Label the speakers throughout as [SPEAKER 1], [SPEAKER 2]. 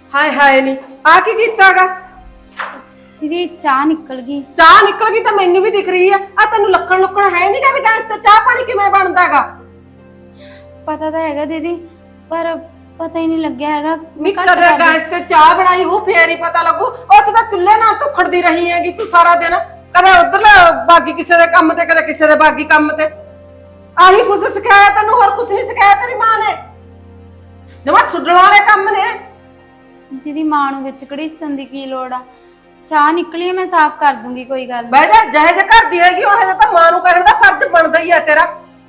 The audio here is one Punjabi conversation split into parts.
[SPEAKER 1] ਹਾਏ ਹਾਏ ਨੀ ਆ ਕੀ ਕੀਤਾਗਾ?
[SPEAKER 2] ਦੀਦੀ ਚਾਹ ਨਿਕਲ ਗਈ।
[SPEAKER 1] ਚਾਹ ਨਿਕਲ ਗਈ ਤਾਂ ਮੈਨੂੰ ਵੀ ਦਿਖ ਰਹੀ ਆ। ਆ ਤੈਨੂੰ ਲੱਕਣ ਹੈ ਨਹੀਂਗਾ ਵੀ ਗੈਸ ਤੇ ਚਾਹ ਪਾਣੀ ਕਿਵੇਂ ਬਣਦਾਗਾ?
[SPEAKER 2] ਪਤਾ ਤਾਂ ਹੈਗਾ ਦੀਦੀ, ਪਰ ਪਤਾ ਹੀ ਨਹੀਂ ਲੱਗਿਆ ਹੈਗਾ।
[SPEAKER 1] ਨੀ ਕਦੇ ਗੈਸ ਤੇ ਚਾਹ ਬਣਾਈ ਹੋ ਫੇਰ ਹੀ ਪਤਾ ਲੱਗੂ। ਉੱਥੇ ਤਾਂ ਚੁੱਲ੍ਹੇ ਨਾਲ ਧੁਖੜਦੀ ਰਹੀ ਹੈਗੀ ਤੂੰ ਸਾਰਾ ਦਿਨ, ਕਦੇ ਉਧਰ ਬਾਗੀ ਕਿਸੇ ਦੇ ਕੰਮ ਤੇ ਕਦੇ ਕਿਸੇ ਦੇ ਬਾਗੀ ਕੰਮ ਤੇ। ਆਹੀ ਕੁਛ ਸਿਖਾਇਆ ਤੈਨੂੰ, ਹੋਰ ਕੁਛ ਨਹੀਂ ਸਿਖਾਇਆ ਤੇਰੀ ਮਾਂ ਨੇ। ਜਮਾ ਛੁੱਡਣ ਵਾਲੇ ਕੰਮ ਨੇ।
[SPEAKER 2] ਦੀਦੀ ਮਾਂ ਨੂੰ ਵਿੱਚ ਘੜੀਸਣ ਦੀ ਕੀ ਲੋੜ ਆ? ਚਾਹ ਨਿਕਲੀ, ਮੈਂ ਸਾਫ਼ ਕਰ ਦੂੰਗੀ, ਕੋਈ ਗੱਲ
[SPEAKER 1] ਬਹਿ ਜਾ, ਜਿਹੇ ਜੇ ਘਰ ਦੀ ਹੈਗੀ ਉਹ ਤਾਂ ਮਾਂ ਨੂੰ ਕਹਿਣ ਦਾ ਫਰਜ਼ ਬਣਦਾ ਹੀ ਆ ਤੇਰਾ।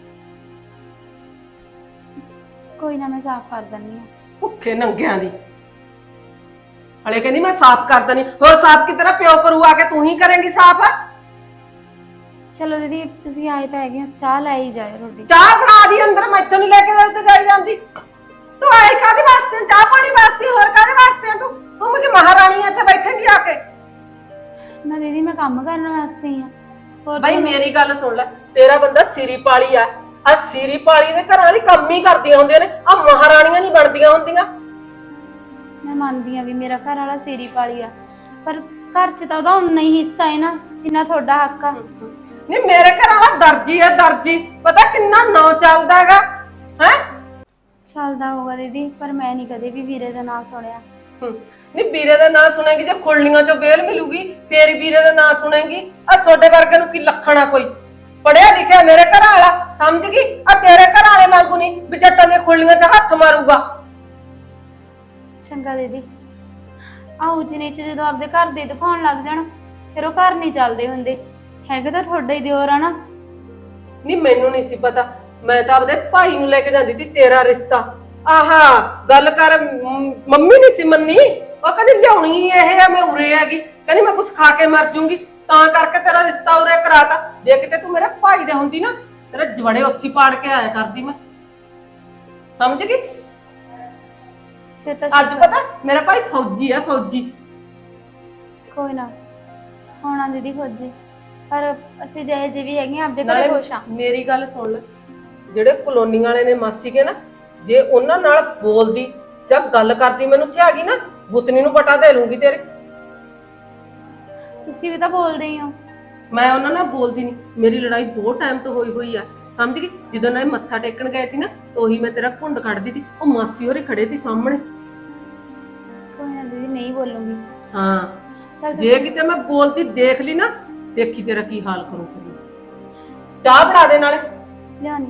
[SPEAKER 2] ਕੋਈ ਨਾ, ਮੈਂ ਸਾਫ਼ ਕਰ ਦਿੰਨੀ ਆ।
[SPEAKER 1] ਭੁੱਖੇ ਨੰਗਿਆਂ ਦੀ ਹਲੇ ਕਹਿੰਦੀ ਮੈਂ ਸਾਫ਼ ਕਰ ਦਨੀ। ਹੋਰ ਸਾਫ਼ ਕਿ ਤੇਰਾ ਪਿਓ ਕਰੂ, ਆ ਕੇ ਤੂੰ ਹੀ ਕਰੇਂਗੀ ਸਾਫ਼?
[SPEAKER 2] ਚਲੋ ਦੀਦੀ ਤੁਸੀਂ ਆਏ ਤਾਂ ਹੈਗੇ, ਚਾਹ ਲੈ ਹੀ ਜਾਇਓ ਰੋਟੀ।
[SPEAKER 1] ਚਾਹ ਬਣਾ ਦੀ ਅੰਦਰ, ਮੈਥੋਂ ਨਹੀਂ ਲੈ ਕੇ ਜਾਈ ਜਾਂਦੀ। ਤੂੰ ਆਈ ਕਾਹਦੇ ਵਾਸਤੇ? ਚਾਹ ਪਾਣੀ ਵਾਸਤੇ, ਹੋਰ ਕਾਹਦੇ ਵਾਸਤੇ? ਤੂੰ ਮੈਂ ਕਿ ਮਹਾਰਾਣੀ ਇੱਥੇ ਬੈਠੇਂਗੀ ਆ ਕੇ?
[SPEAKER 2] ਨਾ ਦੀਦੀ ਮੈਂ ਕੰਮ ਕਰਨ ਵਾਸਤੇ ਹੀ ਆ। ਹੋਰ
[SPEAKER 1] ਬਾਈ ਮੇਰੀ ਗੱਲ ਸੁਣ ਲੈ, ਤੇਰਾ ਬੰਦਾ ਸਿਰੀ ਪਾਲੀ ਆ ਸਿਰੀ ਪਾਲੀ ਦੇ ਘਰਾਂ ਵਾਲੀ ਕੰਮ ਹੀ ਕਰਦੀਆਂ ਹੁੰਦੀਆਂ ਨੇ, ਆ ਮਹਾਰਾਣੀਆਂ ਨਹੀਂ ਬਣਦੀਆਂ ਹੁੰਦੀਆਂ।
[SPEAKER 2] ਮੈਂ ਮੰਨਦੀ ਆ ਵੀ ਮੇਰਾ ਘਰ ਵਾਲਾ ਸੀਰੀ ਪਾਲੀ ਆ, ਪਰ ਘਰ 'ਚ ਤਾਂ ਉਹਦਾ ਉਨਾ ਹੀ ਹਿੱਸਾ ਹੈ ਨਾ ਜਿੰਨਾ ਤੁਹਾਡਾ ਹੱਕ ਆ।
[SPEAKER 1] ਨਹੀਂ ਮੇਰੇ ਘਰ ਵਾਲਾ ਦਰਜੀ ਹੈ, ਦਰਜੀ। ਪਤਾ ਕਿੰਨਾ ਨਾਂ ਚੱਲਦਾ ਹੈਗਾ ਹੈ? ਚੱਲਦਾ
[SPEAKER 2] ਹੋਊਗਾ ਦੀਦੀ, ਪਰ ਮੈਂ ਨਹੀਂ ਕਦੇ ਵੀ ਵੀਰੇ ਦਾ ਨਾਂ ਸੁਣਿਆ।
[SPEAKER 1] ਨਹੀਂ ਵੀਰੇ ਦਾ ਨਾਂ ਸੁਣੇਗੀ ਜੇ ਖੁਰਲੀਆਂ ਚੋਂ ਬੇਲ ਮਿਲੂਗੀ ਫੇਰ ਹੀ ਵੀਰੇ ਦਾ ਨਾਂ ਸੁਣੇਗੀ। ਆ ਤੁਹਾਡੇ ਵਰਗੇ ਨੂੰ ਕੀ ਲੱਖਣਾ? ਕੋਈ ਪੜਿਆ ਲਿਖਿਆ ਮੇਰੇ ਘਰ ਵਾਲਾ, ਸਮਝ ਗਈ? ਆ ਤੇਰੇ ਘਰ ਵਾਲੇ ਵਾਂਗੂ ਨਹੀਂ ਵੀ ਜੱਟਾਂ ਦੀਆਂ ਖੁਰਲੀਆਂ 'ਚ ਹੱਥ ਮਾਰੂਗਾ।
[SPEAKER 2] ਚੰਗਾ ਦੀਦੀ, ਆਉ ਜਨੇ ਚ ਜਦੋਂ ਆਪਦੇ ਘਰ ਦੇ ਦਿਖਾਉਣ ਲੱਗ ਜਾਣ ਫਿਰ ਉਹ ਘਰ ਨਹੀਂ ਚੱਲਦੇ ਹੁੰਦੇ ਹੈਗੇ। ਤਾਂ ਤੁਹਾਡਾ ਹੀ ਦਿਓਰ ਆ ਨਾ।
[SPEAKER 1] ਨਹੀਂ ਮੈਨੂੰ ਨਹੀਂ ਸੀ ਪਤਾ, ਮੈਂ ਤਾਂ ਆਪਦੇ ਭਾਈ ਨੂੰ ਲੈ ਕੇ ਜਾਂਦੀ ਸੀ ਤੇਰਾ ਰਿਸ਼ਤਾ। ਆਹਾ ਗੱਲ ਕਰ, ਮੰਮੀ ਨਹੀਂ ਸੀ ਮੰਨੀ। ਉਹ ਕਹਿੰਦੀ ਲਿਆਉਣੀ ਇਹ ਆ, ਮੈਂ ਉਰੇ ਹੈਗੀ, ਕਹਿੰਦੀ ਮੈਂ ਕੁਛ ਖਾ ਕੇ ਮਰ ਜੂੰਗੀ, ਤਾਂ ਕਰਕੇ ਤੇਰਾ ਰਿਸ਼ਤਾ ਉਰੇ ਕਰਾਤਾ। ਜੇ ਕਿਤੇ ਤੂੰ ਮੇਰੇ ਭਾਈ ਦੇ ਹੁੰਦੀ ਨਾ, ਤੇਰੇ ਜਵੜੇ ਉੱਥੀ ਪਾੜ ਕੇ ਆਇਆ ਕਰਦੀ ਮੈਂ, ਸਮਝ ਗਈ? ਅੱਜ ਪਤਾ ਮੇਰਾ ਭਾਈ ਫੌਜੀ ਆ, ਫੌਜੀ।
[SPEAKER 2] ਕੋਈ ਨਾ ਹੋਣਾ ਦੀਦੀ ਫੌਜੀ, ਪਰ ਅਸੀਂ ਜਿਹੇ ਜਿਹੇ ਵੀ ਹੈਗੇ ਆਪਦੇ ਘਰੇ ਖੁਸ਼ ਆ।
[SPEAKER 1] ਮੇਰੀ ਗੱਲ ਸੁਣ ਲੈ, ਜਿਹੜੇ ਕਲੋਨੀ ਵਾਲੇ ਨੇ ਮਾਸੀ ਕੇ ਨਾ, ਜੇ ਉਹਨਾਂ ਨਾਲ ਬੋਲਦੀ ਜਾਂ ਗੱਲ ਕਰਦੀ ਮੈਨੂੰ ਇੱਥੇ ਆ ਗਈ ਨਾ, ਗੁੱਤਨੀ ਨੂੰ ਪਟਾ ਦੇ ਲੂੰਗੀ ਤੇਰੇ।
[SPEAKER 2] ਤੁਸੀਂ ਵੀ ਤਾਂ ਬੋਲਦੇ ਹੀ ਹੋ।
[SPEAKER 1] ਮੈਂ ਉਹਨਾਂ ਨਾਲ ਬੋਲਦੀ ਨਹੀਂ, ਮੇਰੀ ਲੜਾਈ ਬਹੁਤ ਟਾਈਮ ਤੋਂ ਹੋਈ ਆ, ਸਮਝ ਗਈ? ਜਦੋਂ ਨਾ ਮੱਥਾ ਟੇਕਣ ਗਏ ਸੀ ਨਾ, ਉਹੀ ਮੈਂ ਤੇਰਾ ਘੁੰਡ ਕੱਢਦੀ ਸੀ, ਉਹ ਮਾਸੀ ਹੋਰੇ ਖੜੇ ਸੀ ਸਾਹਮਣੇ।
[SPEAKER 2] ਕੋਈ ਨਾ ਦੀਦੀ, ਨਹੀਂ ਬੋਲੂੰਗੀ।
[SPEAKER 1] ਹਾਂ ਜੇ ਕਿਤੇ ਮੈਂ ਬੋਲਦੀ ਦੇਖ ਲਈ ਨਾ, ਦੇਖੀ ਤੇਰਾ ਕੀ ਹਾਲ ਕਰੂੰਗੀ। ਚਾਹ ਬਣਾ ਦੇ ਨਾਲੇ।
[SPEAKER 2] ਲਿਆਣੀ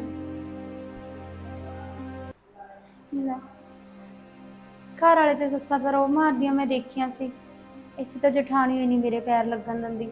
[SPEAKER 2] ਘਰ ਵਾਲੇ ਤੇ ਸੱਸਾਂ ਤਾਂ ਰੋ ਮਾਰਦੀਆਂ ਮੈਂ ਦੇਖੀਆਂ ਸੀ, ਇੱਥੇ ਤਾਂ ਜਠਾਣੀ ਹੋਈ ਨਹੀਂ ਮੇਰੇ ਪੈਰ ਲੱਗਣ ਦਿੰਦੀ।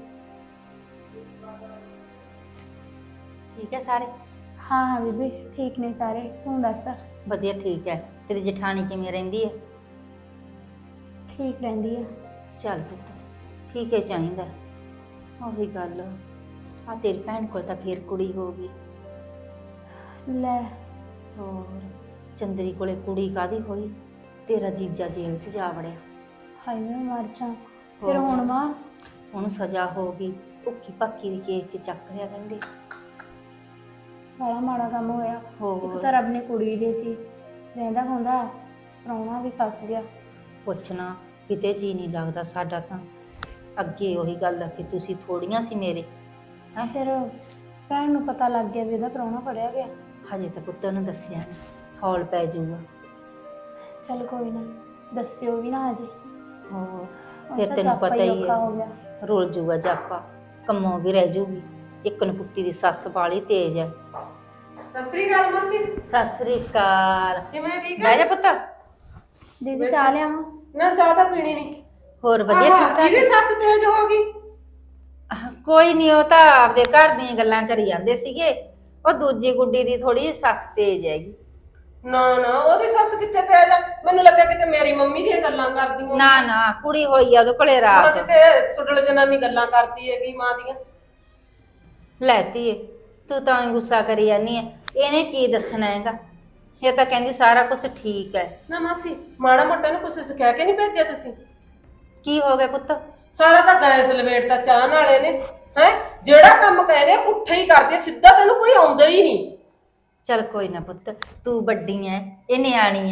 [SPEAKER 3] ਠੀਕ ਹੈ ਸਾਰੇ?
[SPEAKER 2] ਹਾਂ ਹਾਂ ਬੀਬੀ ਠੀਕ ਨੇ ਸਾਰੇ, ਤੂੰ ਦੱਸ?
[SPEAKER 3] ਵਧੀਆ ਠੀਕ ਹੈ। ਤੇਰੀ ਜਠਾਣੀ ਕਿਵੇਂ ਰਹਿੰਦੀ ਹੈ?
[SPEAKER 2] ਠੀਕ ਰਹਿੰਦੀ ਆ।
[SPEAKER 3] ਚੱਲ ਪੁੱਤ, ਠੀਕ ਹੈ ਚਾਹੀਦਾ। ਉਹੀ ਗੱਲ ਆ, ਤੇਰੀ ਭੈਣ ਕੋਲ ਤਾਂ ਫੇਰ ਕੁੜੀ ਹੋ ਗਈ।
[SPEAKER 2] ਲੈ
[SPEAKER 3] ਹੋਰ ਚੰਦਰੀ ਕੋਲੇ ਕੁੜੀ ਕਾਦੀ ਹੋਈ? ਤੇਰਾ ਜੀਜਾ ਜੇਲ੍ਹ 'ਚ ਜਾ ਵੜਿਆ।
[SPEAKER 2] ਹਾਏ ਮੈਂ ਮਰ ਜਾ। ਫਿਰ ਹੁਣ ਮਾਂ
[SPEAKER 3] ਉਹਨੂੰ ਸਜ਼ਾ ਹੋ ਗਈ, ਭੁੱਖੀ ਭੱਕੀ ਦੀ ਕੇਸ 'ਚ ਚੱਕ ਲਿਆ ਕਹਿੰਦੇ।
[SPEAKER 2] ਬੜਾ ਮਾੜਾ ਕੰਮ ਹੋਇਆ।
[SPEAKER 3] ਹੋਰ
[SPEAKER 2] ਇੱਕ ਤਾਂ ਰੱਬ ਨੇ ਕੁੜੀ ਦੇਤੀ, ਰਹਿੰਦਾ ਹੁੰਦਾ ਪ੍ਰਾਹੁਣਾ ਵੀ ਫਸ ਗਿਆ।
[SPEAKER 3] ਪੁੱਛਣਾ ਕਿਤੇ ਜੀ ਨਹੀਂ ਲੱਗਦਾ ਸਾਡਾ ਤਾਂ। ਅੱਗੇ ਉਹੀ ਗੱਲ ਆ ਕਿ ਤੁਸੀਂ ਥੋੜੀਆਂ ਸੀ ਮੇਰੇ
[SPEAKER 2] ਹੈਂ। ਫਿਰ ਭੈਣ ਨੂੰ ਪਤਾ ਲੱਗ ਗਿਆ ਵੀ ਇਹਦਾ ਪ੍ਰਾਹੁਣਾ ਫੜਿਆ ਗਿਆ?
[SPEAKER 3] ਹਜੇ ਤਾਂ ਪੁੱਤ ਉਹਨੂੰ ਦੱਸਿਆ ਨਹੀਂ, ਹੌਲ ਪੈ ਜਾਊਗਾ।
[SPEAKER 2] ਚੱਲ ਕੋਈ ਨਾ, ਦੱਸਿਓ ਵੀ ਨਾ ਅਜੇ।
[SPEAKER 3] ਹੋਰ ਫਿਰ ਤੈਨੂੰ ਪਤਾ ਹੀ ਹੈ, ਰੁਲ ਜੂਗਾ ਜਾਪਾ, ਕੰਮੋਂ ਵੀ ਰਹਿ ਜੂਗੀ। ਇੱਕ ਨਪੁੱਤੀ ਦੀ ਸੱਸ ਵਾਲੀ ਤੇਜ਼ ਹੈ।
[SPEAKER 1] ਸਤਿ ਸ੍ਰੀ ਅਕਾਲ ਮਾਸੀ।
[SPEAKER 3] ਸਤਿ ਸ੍ਰੀ ਅਕਾਲ।
[SPEAKER 1] ਕਿਵੇਂ? ਠੀਕ ਹੈ?
[SPEAKER 3] ਬਹਿ ਜਾ ਪੁੱਤ।
[SPEAKER 2] ਦੀਦੀ ਚਾਹ ਲਿਆਵਾਂ?
[SPEAKER 1] ਨਾ ਚਾਹ ਤਾਂ ਪੀਣੀ ਨਹੀਂ।
[SPEAKER 3] ਹੋਰ ਵਧੀਆ ਠੀਕ ਠਾਕ?
[SPEAKER 1] ਇਹਦੀ ਸੱਸ ਤੇਜ਼ ਹੋ ਗਈ?
[SPEAKER 3] ਕੋਈ ਨਹੀਂ, ਉਹ ਤਾਂ ਆਪਦੇ ਘਰ ਦੀਆਂ ਗੱਲਾਂ ਕਰੀ ਜਾਂਦੇ ਸੀਗੇ। ਉਹ ਦੂਜੀ ਗੁੱਡੀ ਦੀ ਥੋੜੀ ਸੱਸ ਤੇਜ਼ ਹੈਗੀ।
[SPEAKER 1] ਨਾ ਨਾ, ਉਹਦੀ ਸੱਸ ਕਿੱਥੇ ਤੇਜ਼ ਆ? ਮੈਨੂੰ ਲੱਗਾ ਕਿਤੇ ਮੇਰੀ ਮੰਮੀ ਦੀਆਂ ਗੱਲਾਂ ਕਰਦੀ ਹੋ।
[SPEAKER 3] ਨਾ ਨਾ, ਕੁੜੀ ਹੋਈ ਆ ਉਹਦੇ ਕੋਲੇ ਰਾਤ।
[SPEAKER 1] ਕਿਤੇ ਸੁਡਲ ਜਨਾਨੀ ਗੱਲਾਂ ਕਰਦੀ ਹੈਗੀ ਮਾਂ ਦੀਆਂ।
[SPEAKER 3] ਲੈਤੀ ਤੂੰ ਤਾਂ ਗੁੱਸਾ ਕਰੀ ਜਾਨੀ ਹੈ, ਇਹਨੇ ਕੀ ਦੱਸਣਾ ਹੈਗਾ? ਇਹ ਤਾਂ ਕਹਿੰਦੀ ਸਾਰਾ ਕੁਝ ਠੀਕ ਹੈ।
[SPEAKER 1] ਨਾ ਮਾਸੀ, ਮਾੜਾ ਮੋਟਾ ਨੂੰ ਕੁਛ ਸਿਖਾ ਕੇ ਨਹੀਂ ਭੇਜਿਆ ਤੁਸੀਂ?
[SPEAKER 3] ਕੀ ਹੋ ਗਿਆ ਪੁੱਤ?
[SPEAKER 1] ਸਾਰਾ ਤਾਂ ਗੈਸ ਲਵੇਟਦਾ ਚਾਹ ਨਾਲੇ ਨੇ ਹੈ। ਜਿਹੜਾ ਕੰਮ ਕਹਿੰਦੇ ਪੁੱਠਾ ਹੀ ਕਰਦੇ, ਸਿੱਧਾ ਤੈਨੂੰ ਕੋਈ ਆਉਂਦਾ ਹੀ ਨਹੀਂ।
[SPEAKER 3] ਚੱਲ ਕੋਈ ਨਾ ਪੁੱਤ, ਤੂੰ ਵੱਡੀ ਐ, ਇਹ ਨਿਆਣੀ ਐ,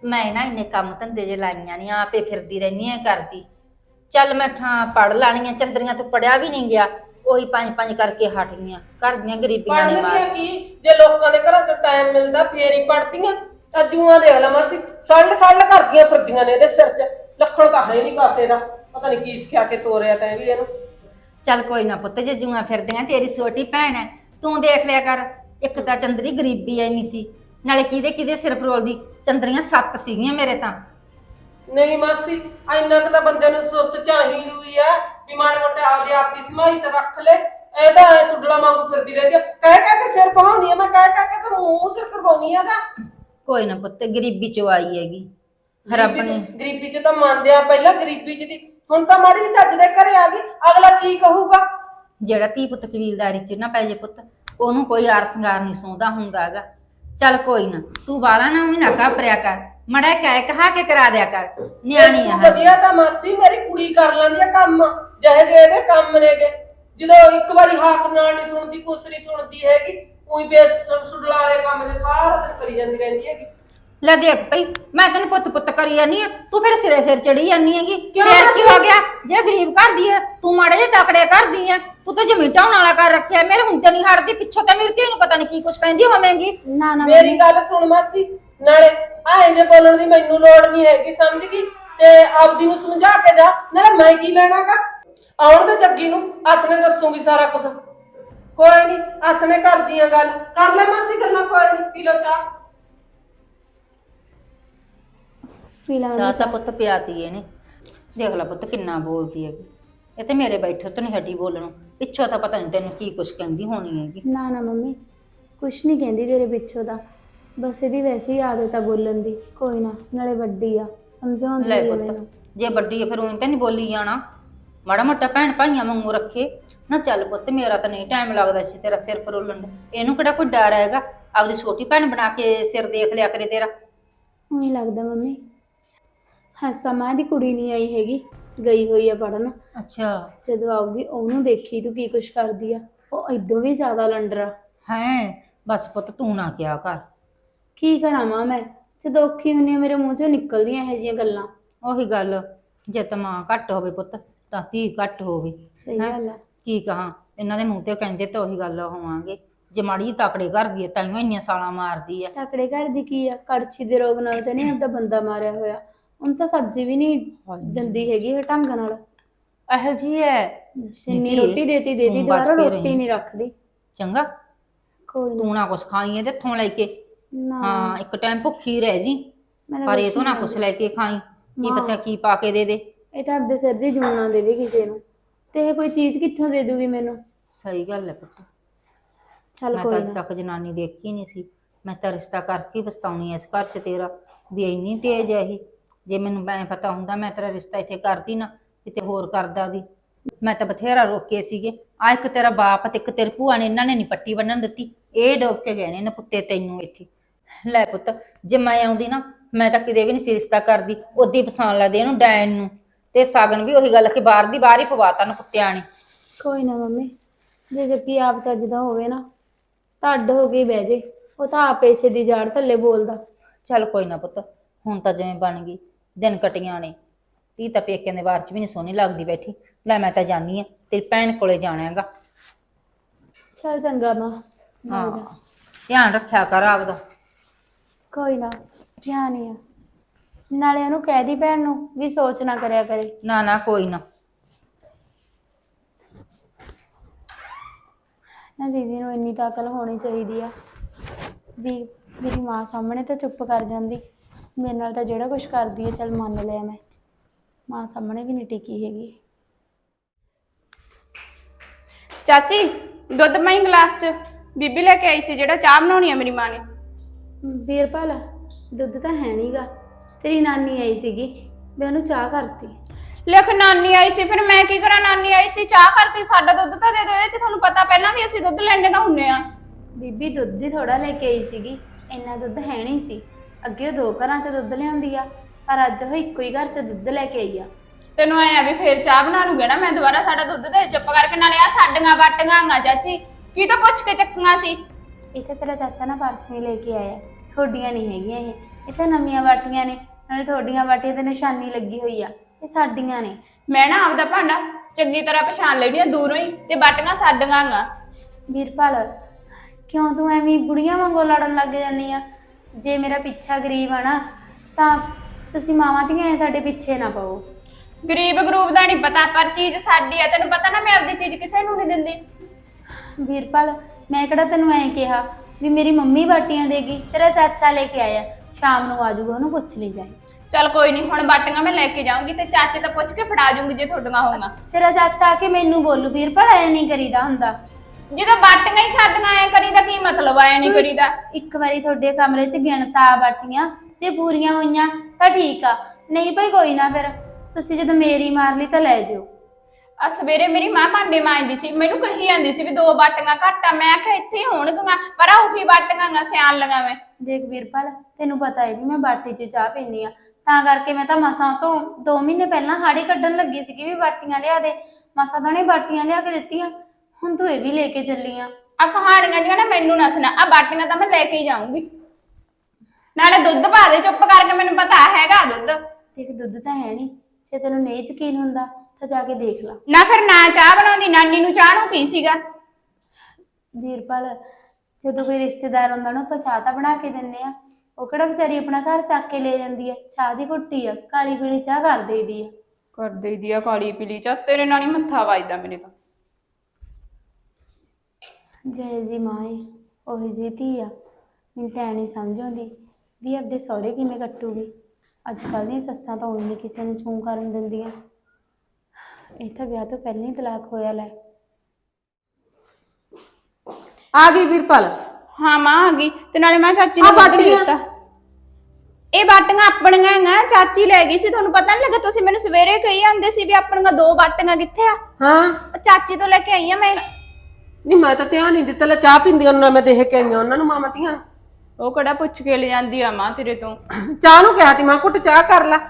[SPEAKER 3] ਮੈਂ ਨਾ ਇੰਨੇ ਕੰਮ ਧੰਦੇ ਜੇ ਲਾਈਆਂ ਨਹੀਂ, ਆਪੇ ਫਿਰਦੀ ਰਹਿਨੀ ਆ ਕਰਦੀ। ਚੱਲ ਮੈਂ ਖਾਂ ਪੜ ਲਾਣੀਆਂ, ਚੰਦਰੀਆਂ ਤੋਂ ਪੜਿਆ ਵੀ ਨਹੀਂ ਗਿਆ, ਉਹੀ ਪੰਜ ਕਰਕੇ ਹਟ ਗਈਆਂ। ਘਰ ਦੀਆਂ ਗਰੀਬੀਆਂ ਨੇ
[SPEAKER 1] ਪੜ੍ਹਨੀਆਂ
[SPEAKER 3] ਮਾਰ।
[SPEAKER 1] ਕੀ, ਜੇ ਲੋਕਾਂ ਦੇ ਘਰਾਂ ਚ ਟਾਈਮ ਮਿਲਦਾ ਫੇਰ ਹੀ ਪੜਦੀਆਂ। ਅੱਜੂਆਂ ਦੇਖ ਲਾ ਮਾਸੀ, ਸੱਲ ਕਰਦੀਆਂ ਫਿਰਦੀਆਂ ਨੇ ਇਹਦੇ ਸਿਰ 'ਚ, ਲੱਖਣ ਤਾਂ ਹੈ ਨਹੀਂ ਕਾਸੇ ਦਾ। ਪਤਾ ਨਹੀਂ ਕੀ ਸਿਖਾ ਕੇ ਤੋਰਿਆ ਤੈਂ ਵੀ ਇਹਨੂੰ।
[SPEAKER 3] ਚੱਲ ਕੋਈ ਨਾ ਪੁੱਤ, ਜੇ ਜੂਆਂ ਫਿਰਦੀਆਂ, ਤੇਰੀ ਛੋਟੀ ਭੈਣ ਐ, ਤੂੰ ਦੇਖ ਲਿਆ ਕਰ। ਇੱਕ ਤਾਂ ਚੰਦਰੀ ਗਰੀਬੀ ਐ ਨਹੀਂ ਸੀ, ਨਾਲੇ ਕਿਹਦੇ ਸਿਰ ਫਰੋਲਦੀ। ਚੰਦਰੀਆਂ 7 ਸੀਗੀਆਂ ਮੇਰੇ ਤਾਂ।
[SPEAKER 1] ਨਹੀਂ ਮਾਸੀ, ਇੰਨਾ ਕੁ ਤਾਂ ਬੰਦੇ ਨੂੰ ਸੁਰਤ ਚਾਹੀਦੀ ਹੋਈ ਆ ਵੀ ਮਾੜੇ ਮੋਟੇ ਆਪਦੇ ਆਪ ਦੀ ਸਮਾਈ ਤਾਂ ਰੱਖ ਲੈ। ਇਹ ਤਾਂ ਐ ਸੁੱਡਲਾ ਵਾਂਗੂ ਫਿਰਦੀ ਰਹਿੰਦੀ ਆ, ਕਹਿ ਕੇ ਸਿਰ ਪਹਾਉਣੀ ਆ। ਮੈਂ ਕਹਿ ਕੇ ਤਾਂ ਮੂੰਹ ਸਿਰ ਕਰਵਾਉਣੀ ਆ। ਤਾਂ
[SPEAKER 3] ਕੋਈ ਨਾ ਪੁੱਤ, ਗਰੀਬੀ ਚੋਂ ਆਈ ਹੈਗੀ ਰੱਬ ਨੇ।
[SPEAKER 1] ਗਰੀਬੀ 'ਚ ਤਾਂ ਮੰਨਦੇ ਆ, ਪਹਿਲਾਂ ਗਰੀਬੀ 'ਚ ਦੀ, ਹੁਣ ਤਾਂ ਮਾੜੀ ਜਿਹੀ ਚੱਜ ਦੇ ਘਰੇ ਆ ਗਈ, ਅਗਲਾ ਕੀ ਕਹੂਗਾ।
[SPEAKER 3] ਜਿਹੜਾ ਧੀ ਪੁੱਤ ਕਬੀਲਦਾਰੀ 'ਚ ਨਾ ਪੈ ਜੇ ਪੁੱਤ, ਉਹਨੂੰ ਕੋਈ ਆਰ ਸ਼ਿੰਗਾਰ ਨਹੀਂ ਸੌਂਦਾ ਹੁੰਦਾ ਹੈਗਾ। ਚੱਲ ਕੋਈ ਨਾ, ਤੂੰ ਵਾਲਾ ਨਾ ਉਹੀ ਨਾ ਘਾਪਰਿਆ ਕਰ, ਮੜਾ ਕਹਿ ਕਹਾ ਕੇ ਕਰਾ ਦਿਆ ਕਰ, ਨਿਆਣੀ ਆ।
[SPEAKER 1] ਵਧੀਆ ਤਾਂ ਮਾਸੀ ਮੇਰੀ ਕੁੜੀ ਕਰ ਲੈਂਦੀ ਆ ਕੰਮ, ਜਿਹੇ ਜਿਹੇ ਇਹਦੇ ਕੰਮ ਨੇਗੇ। ਜਦੋਂ ਇੱਕ ਵਾਰੀ ਹਾਕ ਨਾਲ ਨਹੀਂ ਸੁਣਦੀ, ਕੁਛ ਨਹੀਂ ਸੁਣਦੀ ਹੈਗੀ, ਉਹੀ ਸੁਡਲਾ ਵਾਲੇ ਕੰਮ ਦੇ ਸਾਰਾ ਦਿਨ ਕਰੀ ਜਾਂਦੀ ਰਹਿੰਦੀ ਹੈਗੀ।
[SPEAKER 3] ਲੈ ਦੇਖ ਭਈ, ਮੈਂ ਤੈਨੂੰ ਪੁੱਤ ਕਰੀ ਜਾਨੀ ਆ, ਤੂੰ ਫਿਰ ਸਿਰ ਚੜੀ ਜਾਨੀ ਹੈਗੀ।
[SPEAKER 1] ਕਿਉਂ
[SPEAKER 3] ਫੇਰ ਕੀ
[SPEAKER 1] ਮਾਸੀ?
[SPEAKER 3] ਹੋ ਗਿਆ? ਜੇ ਗਰੀਬ ਘਰ ਦੀ ਐ, ਤੂੰ ਮਾੜੇ ਜਿਹੇ ਤਕੜੇ ਕਰਦੀ ਐ, ਤੂੰ ਤਾਂ ਜ਼ਮੀਨ ਢਾਉਣ ਵਾਲਾ ਕਰ ਰੱਖਿਆ। ਮੇਰੇ ਹੁਣ ਤੇ ਨਹੀਂ ਹਟਦੀ, ਪਿੱਛੋਂ ਤਾਂ ਮੇਰੀ ਧੀ ਨੂੰ ਪਤਾ ਨਹੀਂ ਕੀ ਕੁਛ ਕਹਿੰਦੀ ਹੋਵੇਂਗੀ।
[SPEAKER 2] ਨਾ ਨਾ
[SPEAKER 1] ਮੇਰੀ ਗੱਲ ਸੁਣ ਮਾਸੀ, ਨਾਲੇ ਆਏ ਜੇ ਬੋਲਣ ਦੀ ਮੈਨੂੰ ਲੋੜ ਨਹੀਂ ਹੈਗੀ, ਸਮਝ ਗਈ? ਤੇ ਆਪਦੀ ਨੂੰ ਸਮਝਾ ਕੇ ਜਾ, ਨਾਲੇ ਮੈਂ ਕੀ ਲੈਣਾਗਾ। ਆਉਣ ਦੇ ਜੱਗੀ ਨੂੰ, ਹੱਥ ਨੇ ਦੱਸੂਗੀ ਸਾਰਾ ਕੁਝ। ਕੋਈ ਨਹੀਂ, ਹੱਥ ਨੇ ਕਰਦੀਆਂ ਗੱਲ, ਕਰ ਲੈ ਮਾਸੀ ਗੱਲਾਂ, ਕੋਈ ਨਹੀਂ, ਪੀ ਲੋ ਚਾਹ।
[SPEAKER 2] ਪੀ ਲਾ
[SPEAKER 3] ਚਾਹ ਤਾਂ ਪੁੱਤ ਪਿਆਤੀ ਇਹਨੇ। ਦੇਖ ਲੈ ਪੁੱਤ ਕਿੰਨਾ ਬੋਲਦੀ ਹੈਗੀ, ਇਹ ਤੇ ਮੇਰੇ ਬੈਠੇ ਤੋਂ ਨਹੀਂ ਹੱਡੀ ਬੋਲਣੋਂ, ਪਿੱਛੋਂ ਤਾਂ ਪਤਾ ਨਹੀਂ ਤੈਨੂੰ ਕੀ ਕੁਛ ਕਹਿੰਦੀ ਹੋਣੀ ਹੈਗੀ।
[SPEAKER 2] ਨਾ ਨਾ ਮੰਮੀ, ਕੁਛ ਨਹੀਂ ਕਹਿੰਦੀ ਤੇਰੇ ਪਿੱਛੋਂ ਦਾ, ਬਸ ਇਹਦੀ ਵੈਸੀ ਆਦਤ ਆ ਬੋਲਣ ਦੀ। ਕੋਈ ਨਾ, ਨਾਲੇ ਵੱਡੀ ਆ, ਸਮਝਾਉਂਦੀ
[SPEAKER 3] ਲੈ
[SPEAKER 2] ਹੈ
[SPEAKER 3] ਪੁੱਤ,
[SPEAKER 2] ਮੈਨੂੰ।
[SPEAKER 3] ਜੇ ਵੱਡੀ ਹੈ ਫਿਰ ਉਹਨੇ ਤਾਂ ਨਹੀਂ ਬੋਲੀ ਜਾਣਾ, ਮਾੜਾ ਮੋਟਾ ਭੈਣ ਭਾਈਆਂ ਵਾਂਗੂ ਰੱਖੇ ਨਾ। ਚੱਲ ਪੁੱਤ, ਮੇਰਾ ਤਾਂ ਨਹੀਂ ਟਾਈਮ ਲੱਗਦਾ ਸੀ ਤੇਰਾ ਸਿਰ ਫਰੋਲਣ ਦਾ, ਇਹਨੂੰ ਕਿਹੜਾ ਕੋਈ ਡਰ ਹੈਗਾ। ਆਪਦੀ ਛੋਟੀ ਭੈਣ ਬਣਾ ਕੇ ਸਿਰ ਦੇਖ ਲਿਆ ਕਰੇ ਤੇਰਾ।
[SPEAKER 2] ਉਹੀ ਲੱਗਦਾ ਮੰਮੀ, ਹਾਸਾ ਮਾਂ ਦੀ ਕੁੜੀ ਨਹੀਂ ਆਈ ਹੈਗੀ, ਗਈ ਹੋਈ ਆ ਪੜਨ।
[SPEAKER 3] ਅੱਛਾ,
[SPEAKER 2] ਜਦੋਂ ਆਊਗੀ ਉਹਨੂੰ ਦੇਖੀ ਤੂੰ ਕੀ ਕੁਛ ਕਰਦੀ ਆ, ਉਹ ਇਦੋਂ ਵੀ ਜ਼ਿਆਦਾ ਲੰਡਰਾ
[SPEAKER 3] ਹੈ। ਬਸ ਪੁੱਤ ਤੂੰ ਨਾ ਕਿਹਾ ਕਰ।
[SPEAKER 2] ਕੀ ਕਰਾਂ ਮਾਂ ਮੈਂ, ਜਦੋਂ ਔਖੀ ਹੁੰਦੀ ਆ ਮੇਰੇ ਮੂੰਹ ਚੋਂ ਨਿਕਲਦੀਆਂ ਇਹੋ ਜਿਹੀਆਂ ਗੱਲਾਂ।
[SPEAKER 3] ਉਹੀ ਗੱਲ, ਜੇ ਤਾਂ ਮਾਂ ਘੱਟ ਹੋਵੇ ਪੁੱਤ ਤਾਂ ਧੀ ਘੱਟ ਹੋਵੇ।
[SPEAKER 2] ਸਹੀ
[SPEAKER 3] ਹੈਂ?
[SPEAKER 2] ਗੱਲ ਆ।
[SPEAKER 3] ਕੀ ਕਹਾਂ, ਇਹਨਾਂ ਦੇ ਮੂੰਹ ਤੇ ਕਹਿੰਦੇ ਤਾਂ ਉਹੀ ਗੱਲ ਹੋਵਾਂਗੇ। ਜੇ ਮਾੜੀ ਜਿਹੀ ਤਕੜੇ ਘਰ ਦੀ ਹੈ ਤਾਈਓ ਇੰਨੀਆਂ ਸਾਲਾਂ ਮਾਰਦੀ ਹੈ।
[SPEAKER 2] ਤਕੜੇ ਘਰ ਦੀ ਕੀ ਆ, ਕੜਛੀ ਦੇ ਰੋਗ ਨਾਲ ਤਾਂ ਨਹੀਂ ਆਪਦਾ ਬੰਦਾ ਮਾਰਿਆ ਹੋਇਆ। ਹੁਣ ਤਾਂ ਸਬਜ਼ੀ ਵੀ ਨਹੀਂ ਦਿੰਦੀ ਹੈਗੀ ਇਹ ਢੰਗ ਨਾਲ।
[SPEAKER 3] ਇਹੋ ਜੀ ਹੈ,
[SPEAKER 2] ਜਿੰਨੀ ਰੋਟੀ ਦੇਤੀ
[SPEAKER 3] ਤੂੰ ਬਚ
[SPEAKER 2] ਦੁਬਾਰਾ
[SPEAKER 3] ਕੇ
[SPEAKER 2] ਰੋਟੀ
[SPEAKER 3] ਰਹੀ।
[SPEAKER 2] ਨਹੀਂ ਰੱਖਦੀ।
[SPEAKER 3] ਚੰਗਾ,
[SPEAKER 2] ਕੋਈ
[SPEAKER 3] ਤੂੰ ਨਾ ਕੁਛ ਖਾਈ ਇਹਦੇ ਹੱਥੋਂ ਲੈ ਕੇ।
[SPEAKER 2] ਨਾ,
[SPEAKER 3] ਹਾਂ, ਇੱਕ ਟਾਈਮ ਭੁੱਖੀ ਰਹਿ ਜੀ,
[SPEAKER 2] ਮੈਂ ਤਾਂ
[SPEAKER 3] ਪਰ ਇਹ
[SPEAKER 2] ਕੁਛ
[SPEAKER 3] ਤੋਂ ਨਾ
[SPEAKER 2] ਨੀ
[SPEAKER 3] ਕੁਛ
[SPEAKER 2] ਖਾਂਦੀ।
[SPEAKER 3] ਲੈ ਕੇ ਖਾਈ, ਕੀ
[SPEAKER 2] ਮਾਂ।
[SPEAKER 3] ਪਤਾ ਕੀ ਪਾ ਕੇ ਦੇ ਦੇ।
[SPEAKER 2] ਇਹ ਤਾਂ ਆਪਦੇ ਸਿਰ ਦੀ ਜੂਨ ਨਾ ਦੇਵੇ ਕਿਸੇ ਨੂੰ, ਤੇ ਇਹ ਕੋਈ ਚੀਜ਼ ਕਿੱਥੋਂ ਦੇ ਦੂਗੀ ਮੈਨੂੰ।
[SPEAKER 3] ਸਹੀ ਗੱਲ ਹੈ ਪੁੱਤ,
[SPEAKER 2] ਚੱਲ
[SPEAKER 3] ਮੈਂ ਤਾਂ
[SPEAKER 2] ਕੋਈ
[SPEAKER 3] ਅੱਜ
[SPEAKER 2] ਨਾ,
[SPEAKER 3] ਤੱਕ ਜਨਾਨੀ ਦੇਖੀ ਨਹੀਂ ਸੀ। ਮੈਂ ਤਾਂ ਰਿਸ਼ਤਾ ਕਰਕੇ ਹੀ ਪਛਤਾਉਣੀ ਐ ਇਸ ਘਰ 'ਚ ਤੇਰਾ, ਵੀ ਇੰਨੀ ਤੇਜ਼ ਹੈ ਇਹ। ਜੇ ਮੈਨੂੰ ਐਂ ਪਤਾ ਹੁੰਦਾ ਮੈਂ ਤੇਰਾ ਰਿਸ਼ਤਾ ਇੱਥੇ ਕਰਦੀ ਨਾ ਕਿਤੇ ਹੋਰ ਕਰਦਾ ਦੀ। ਮੈਂ ਤਾਂ ਬਥੇਰਾ ਰੋਕੇ ਸੀਗੇ। ਆ ਇੱਕ ਤੇਰਾ ਬਾਪ ਤੇ ਇੱਕ ਤੇਰੀ ਭੂਆ ਨੇ, ਇਹਨਾਂ ਨੇ ਨਹੀਂ ਪੱਟੀ ਬੰਨਣ ਦਿੱਤੀ, ਇਹ ਡੋਬ ਕੇ ਗਏ ਨੇ ਨਪੁੱਤੇ ਤੈਨੂੰ ਇੱਥੇ। ਲੈ ਪੁੱਤ, ਜੇ ਮੈਂ ਆਉਂਦੀ ਨਾ, ਮੈਂ ਤਾਂ ਕਿਤੇ ਵੀ ਨਹੀਂ ਸੀ ਰਿਸ਼ਤਾ ਕਰਦੀ। ਉਦੀ ਪਸੰਦ ਲੱਗਦੀ ਇਹਨੂੰ ਡੈਣ ਨੂੰ, ਤੇ ਸਾਗਨ ਵੀ ਉਹੀ ਗੱਲ ਕਿ ਬਾਹਰ ਦੀ ਬਾਹਰ ਹੀ ਪਵਾਤਾ ਨਪੁੱਤਿਆਂ ਨੇ।
[SPEAKER 2] ਕੋਈ ਨਾ ਮੰਮੀ, ਜੇ ਜੱਕੀ ਆਪ ਚੱਜਦਾ ਹੋਵੇ ਨਾ ਤਾਂ ਅੱਡ ਹੋ ਕੇ ਬਹਿ ਜੇ। ਉਹ ਤਾਂ ਆਪ ਪੈਸੇ ਦੀ ਜਾੜ ਥੱਲੇ ਬੋਲਦਾ।
[SPEAKER 3] ਚੱਲ ਕੋਈ ਨਾ ਪੁੱਤ, ਹੁਣ ਤਾਂ ਜਿਵੇਂ ਬਣ ਗਈ, ਦਿਨ ਕਟੀਆਂ ਨੇ। ਧੀ ਤਾਂ ਪੇਕਿਆਂ ਦੇ ਵਾਰ 'ਚ ਵੀ ਨਹੀਂ ਸੋਹਣੀ ਲੱਗਦੀ ਬੈਠੀ। ਲੈ ਮੈਂ ਤਾਂ ਜਾਨੀ ਆ, ਤੇਰੀ ਭੈਣ ਕੋਲੇ ਜਾਣਾ ਹੈਗਾ।
[SPEAKER 2] ਚੱਲ ਚੰਗਾ ਮਾਂ,
[SPEAKER 3] ਹਾਂ, ਧਿਆਨ ਰੱਖਿਆ ਕਰ ਆਪਦਾ।
[SPEAKER 2] ਕੋਈ ਨਾ, ਧਿਆਨ ਹੀ ਆ। ਨਾਲੇ ਉਹਨੂੰ ਕਹਿ ਦੀ ਭੈਣ ਨੂੰ ਵੀ ਸੋਚ ਨਾ ਕਰਿਆ ਕਰੇ।
[SPEAKER 3] ਨਾ ਨਾ ਕੋਈ ਨਾ।
[SPEAKER 2] ਨਾ ਦੀਦੀ ਨੂੰ ਇੰਨੀ ਤਾਂ ਅਕਲ ਹੋਣੀ ਚਾਹੀਦੀ ਆ ਵੀ ਮੇਰੀ ਮਾਂ ਸਾਹਮਣੇ ਤਾਂ ਚੁੱਪ ਕਰ ਜਾਂਦੀ, ਮੇਰੇ ਨਾਲ ਤਾਂ ਜਿਹੜਾ ਕੁਝ ਕਰਦੀ ਹੈ ਚੱਲ ਮੰਨ ਲਿਆ ਮੈਂ, ਮਾਂ ਸਾਹਮਣੇ ਵੀ ਨਹੀਂ ਟਿਕੀ ਹੈਗੀ।
[SPEAKER 4] ਚਾਚੀ, ਦੁੱਧ ਮੈਂ ਗਲਾਸ 'ਚ ਬੀਬੀ ਲੈ ਕੇ ਆਈ ਸੀ, ਜਿਹੜਾ ਚਾਹ ਬਣਾਉਣੀ ਆ ਮੇਰੀ ਮਾਂ ਨੇ।
[SPEAKER 2] ਵੀਰਪਾਲ, ਦੁੱਧ ਤਾਂ ਹੈ ਨਹੀਂਗਾ, ਤੇਰੀ ਨਾਨੀ ਆਈ ਸੀਗੀ, ਮੈਂ ਉਹਨੂੰ ਚਾਹ ਕਰਤੀ।
[SPEAKER 4] ਲਿਖ, ਨਾਨੀ ਆਈ ਸੀ, ਫਿਰ ਮੈਂ ਕੀ ਕਰਾਂ? ਨਾਨੀ ਆਈ ਸੀ, ਚਾਹ ਕਰਤੀ, ਸਾਡਾ ਦੁੱਧ ਤਾਂ ਦੇ ਦਿਓ ਇਹਦੇ 'ਚ। ਤੁਹਾਨੂੰ ਪਤਾ ਪਹਿਲਾਂ ਵੀ ਅਸੀਂ ਦੁੱਧ ਲੈਣੇ ਤਾਂ ਹੁੰਨੇ ਆ।
[SPEAKER 2] ਬੀਬੀ ਦੁੱਧ ਹੀ ਥੋੜਾ ਲੈ ਕੇ ਆਈ ਸੀਗੀ, ਇੰਨਾ ਦੁੱਧ ਹੈ ਨਹੀਂ ਸੀ। ਅੱਗੇ ਉਹ 2 ਘਰਾਂ 'ਚ ਦੁੱਧ ਲਿਆਉਂਦੀ ਆ, ਪਰ ਅੱਜ ਉਹ ਇੱਕੋ ਹੀ ਘਰ 'ਚ ਦੁੱਧ ਲੈ ਕੇ ਆਈ ਆ।
[SPEAKER 4] ਤੈਨੂੰ ਐ ਵੀ ਫੇਰ ਚਾਹ ਬਣਾ ਲੂਗੇ ਨਾ ਮੈਂ ਦੁਬਾਰਾ ਸਾਡਾ ਦੁੱਧ ਦੇ। ਚੁੱਪ ਕਰਕੇ, ਨਾਲੇ ਆ ਸਾਡੀਆਂ ਬਾਟੀਆਂ ਚਾਚੀ, ਕੀ ਤਾਂ ਪੁੱਛ ਕੇ ਚੱਕੀਆਂ ਸੀ।
[SPEAKER 2] ਇੱਥੇ ਤੇਰਾ ਚਾਚਾ ਨਾ ਪਰਸ ਨਹੀਂ ਲੈ ਕੇ ਆਇਆ, ਤੁਹਾਡੀਆਂ ਨਹੀਂ ਹੈਗੀਆਂ ਇਹ। ਇਹ ਤਾਂ ਨਵੀਆਂ ਬਾਟੀਆਂ ਨੇ, ਨਾਲੇ ਤੁਹਾਡੀਆਂ ਬਾਟੀਆਂ ਤੇ ਨਿਸ਼ਾਨੀ ਲੱਗੀ ਹੋਈ ਆ, ਇਹ ਸਾਡੀਆਂ ਨੇ।
[SPEAKER 4] ਮੈਂ ਨਾ ਆਪਦਾ ਭਾਂਡਾ ਚੰਗੀ ਤਰ੍ਹਾਂ ਪਛਾਣ ਲੈਣੀ ਆ ਦੂਰੋਂ ਹੀ, ਤੇ ਬਾਟੀਆਂ ਸਾਡੀਆਂ ਗਾ।
[SPEAKER 2] ਵੀਰਪਾਲ ਕਿਉਂ ਤੂੰ ਐਵੇਂ ਬੁੜੀਆਂ ਵਾਂਗੂ ਲੜਨ ਲੱਗ ਜਾਂਦੀ ਆ? ਜੇ ਮੇਰਾ ਪਿੱਛਾ ਗਰੀਬ ਆ ਨਾ ਤਾਂ ਤੁਸੀਂ ਮਾਵਾਂ ਧੀਆਂ ਸਾਡੇ ਪਿੱਛੇ ਨਾ ਪਾਓ।
[SPEAKER 4] ਗਰੀਬ ਗਰੂਪ ਦਾ ਨਹੀਂ ਪਤਾ, ਪਰ ਚੀਜ਼ ਸਾਡੀ ਆ। ਤੈਨੂੰ ਪਤਾ ਨਾ ਮੈਂ ਆਪਦੀ ਚੀਜ਼ ਕਿਸੇ ਨੂੰ ਨਹੀਂ ਦਿੰਦੀ।
[SPEAKER 2] ਵੀਰਪਾਲ ਮੈਂ ਕਿਹੜਾ ਤੈਨੂੰ ਐਂ ਕਿਹਾ ਵੀ ਮੇਰੀ ਮੰਮੀ ਬਾਟੀਆਂ ਦੇਗੀ, ਤੇਰਾ ਚਾਚਾ ਲੈ ਕੇ ਆਇਆ, ਸ਼ਾਮ ਨੂੰ ਆਜੂਗਾ, ਉਹਨੂੰ ਪੁੱਛ ਲਈ ਜਾਏ।
[SPEAKER 4] ਚੱਲ ਕੋਈ ਨਹੀਂ, ਹੁਣ ਬਾਟੀਆਂ ਮੈਂ ਲੈ ਕੇ ਜਾਊਂਗੀ ਤੇ ਚਾਚੇ ਤੋਂ ਪੁੱਛ ਕੇ ਫੜਾ ਜੂੰਗੀ ਜੇ ਤੁਹਾਡੀਆਂ ਹੋਊਗਾ।
[SPEAKER 2] ਤੇਰਾ ਚਾਚਾ ਆ ਕੇ ਮੈਨੂੰ ਬੋਲੂ ਵੀਰਪਾਲ ਐ ਨਹੀਂ ਕਰੀਦਾ ਹੁੰਦਾ।
[SPEAKER 4] ਜਦੋਂ ਬਾਟੀਆਂ ਹੀ ਸਾਡੀਆਂ ਐ ਕਰੀਦਾ ਕੀ ਮਤਲਬ ਐ ਨਹੀਂ ਕਰੀਦਾ?
[SPEAKER 2] ਇੱਕ ਵਾਰੀ ਤੁਹਾਡੇ ਕਮਰੇ 'ਚ ਗਿਣਤਾ ਬਾਟੀਆਂ, ਜੇ ਪੂਰੀਆਂ ਹੋਈਆਂ ਤਾਂ ਠੀਕ ਆ, ਨਹੀਂ ਭਾਈ ਕੋਈ ਨਾ, ਫਿਰ ਤੁਸੀਂ ਜਦੋਂ ਮੇਰੀ ਮਾਰ ਲਈ ਤਾਂ ਲੈ ਜਿਓ।
[SPEAKER 4] ਆ ਸਵੇਰੇ ਮੇਰੀ ਮਾਂ ਭਾਂਡੇ ਮਾਂਜਦੀ ਸੀ, ਮੈਨੂੰ ਕਹੀ ਜਾਂਦੀ ਸੀ ਵੀ 2 ਬਾਟੀਆਂ ਘੱਟ ਆ। ਮੈਂ ਆਖਿਆ ਇੱਥੇ ਹੀ ਹੋਣਗੀਆਂ, ਪਰ ਆ ਉਹੀ ਬਾਟੀਆਂ ਗਾ ਸਿਆਣ ਲਗਾ ਮੈਂ।
[SPEAKER 2] ਦੇਖ ਵੀਰਪਾਲ ਤੈਨੂੰ ਪਤਾ ਹੈ ਵੀ ਮੈਂ ਬਾਟੀ 'ਚ ਚਾਹ ਪੀਂਦੀ ਆ, ਤਾਂ ਕਰਕੇ ਮੈਂ ਤਾਂ ਮਸਾਂ ਤੋਂ 2 ਮਹੀਨੇ ਪਹਿਲਾਂ ਹਾੜੀ ਕੱਢਣ ਲੱਗੀ ਸੀ ਕਿ ਵੀ ਬਾਟੀਆਂ ਲਿਆ ਦੇ, ਮਸਾਂ ਤਾਂ ਨੇ ਬਾਟੀਆਂ ਲਿਆ ਕੇ ਦਿੱਤੀਆਂ, ਹੁਣ ਤੂੰ ਇਹ ਵੀ ਲੈ ਕੇ ਚੱਲੀ ਆ।
[SPEAKER 4] ਆ ਕਹਾਣੀਆਂ ਦੀਆਂ ਨਾ ਮੈਨੂੰ ਨਾ ਸੁਣਾ, ਆ ਬਾਟੀਆਂ ਤਾਂ ਮੈਂ ਲੈ ਕੇ ਹੀ ਜਾਊਂਗੀ। ਨਾਲੇ ਦੁੱਧ ਪਾ ਦੇ ਚੁੱਪ ਕਰਕੇ, ਮੈਨੂੰ ਪਤਾ ਹੈਗਾ ਦੁੱਧ।
[SPEAKER 2] ਦੇਖ ਦੁੱਧ ਤਾਂ ਹੈ ਨਹੀਂ, ਜੇ ਤੈਨੂੰ ਨਹੀਂ ਯਕੀਨ ਹੁੰਦਾ ਤਾਂ ਜਾ ਕੇ ਦੇਖ ਲਾ।
[SPEAKER 4] ਨਾ ਫਿਰ ਨਾ ਚਾਹ ਬਣਾਉਂਦੀ, ਨਾਨੀ ਨੂੰ ਚਾਹ ਨੂੰ ਕੀ ਸੀਗਾ?
[SPEAKER 2] ਵੀਰਪਾਲ ਜਦੋਂ ਕੋਈ ਰਿਸ਼ਤੇਦਾਰ ਹੁੰਦਾ ਨਾ ਆਪਾਂ ਚਾਹ ਤਾਂ ਬਣਾ ਕੇ ਦਿੰਨੇ ਆ, ਉਹ ਕਿਹੜਾ ਵਿਚਾਰੀ ਆਪਣਾ ਘਰ ਚੱਕ ਕੇ ਲੈ ਜਾਂਦੀ ਹੈ। ਚਾਹ ਦੀ ਘੁੱਟੀ ਆ, ਕਾਲੀ ਪੀਲੀ ਚਾਹ ਕਰ ਦੇਈਦੀ ਆ।
[SPEAKER 4] ਕਰ ਦੇਈਦੀ ਆ ਕਾਲੀ ਪੀਲੀ ਚਾਹ, ਤੇਰੇ ਨਾਲ ਹੀ ਮੱਥਾ ਵੱਜਦਾ ਮੇਰੇ ਤਾਂ।
[SPEAKER 2] ਜੈ ਜੀ ਮਾਂ ਏ ਉਹੀ ਜੀ ਧੀ ਆ, ਮੈਨੂੰ ਤਾਂ ਨਹੀਂ ਸਮਝ ਆਉਂਦੀ ਵੀ ਆਪਦੇ ਸਹੁਰੇ ਕਿਵੇਂ ਕੱਟੂਗੀ। ਅੱਜ ਕੱਲ੍ਹ ਦੀਆਂ ਸੱਸਾਂ ਤਾਂ ਉਹੀ ਕਿਸੇ ਨੂੰ ਛੂੰ ਕਰਨ ਦਿੰਦੀਆਂ, ਇਹ ਤਾਂ ਵਿਆਹ ਤੋਂ ਪਹਿਲਾਂ ਹੀ ਤਲਾਕ ਹੋਇਆ ਲੈ।
[SPEAKER 1] ਆ ਗਈ ਵੀਰਪਾਲ।
[SPEAKER 4] ਹਾਂ ਮਾਂ ਆ ਗਈ, ਤੇ ਨਾਲੇ ਮੈਂ ਚਾਚੀ
[SPEAKER 1] ਆਹ
[SPEAKER 4] ਨੂੰ ਦੁੱਧ
[SPEAKER 1] ਬਾਟੀਆਂ?
[SPEAKER 4] ਦਿੱਤਾ। ਇਹ ਬਾਟੀਆਂ ਆਪਣੀਆਂ ਗਾ, ਚਾਚੀ ਲੈ ਗਈ ਸੀ। ਤੁਹਾਨੂੰ ਪਤਾ ਨਹੀਂ ਲੱਗਾ? ਤੁਸੀਂ ਮੈਨੂੰ ਸਵੇਰੇ ਕਹੀ ਜਾਂਦੇ ਸੀ ਵੀ ਆਪਣੀਆਂ 2 ਬਾਟੀਆਂ ਕਿੱਥੇ ਆ।
[SPEAKER 1] ਹਾਂ
[SPEAKER 4] ਉਹ ਚਾਚੀ ਤੋਂ ਲੈ ਕੇ ਆਈ ਆ ਮੈਂ।
[SPEAKER 1] ਨਹੀਂ ਮੈਂ ਤਾਂ ਧਿਆਨ ਨਹੀਂ ਦਿੱਤਾ, ਲੈ ਚਾਹ ਪੀਂਦੀਆਂ ਨੂੰ ਮੈਂ ਦੇਖ ਕੇ ਆਈਆਂ ਉਹਨਾਂ ਨੂੰ, ਮਾਮਾ ਧੀਆਂ ਨੂੰ।
[SPEAKER 4] ਉਹ ਕਿਹੜਾ ਪੁੱਛ ਕੇ ਲੈ ਜਾਂਦੀ ਆ ਮਾਂ ਤੇਰੇ ਤੋਂ?
[SPEAKER 1] ਚਾਹ ਨੂੰ ਕਿਹਾ ਤੀ ਮਾਂ ਘੁੱਟ ਚਾਹ ਕਰ ਲਾ।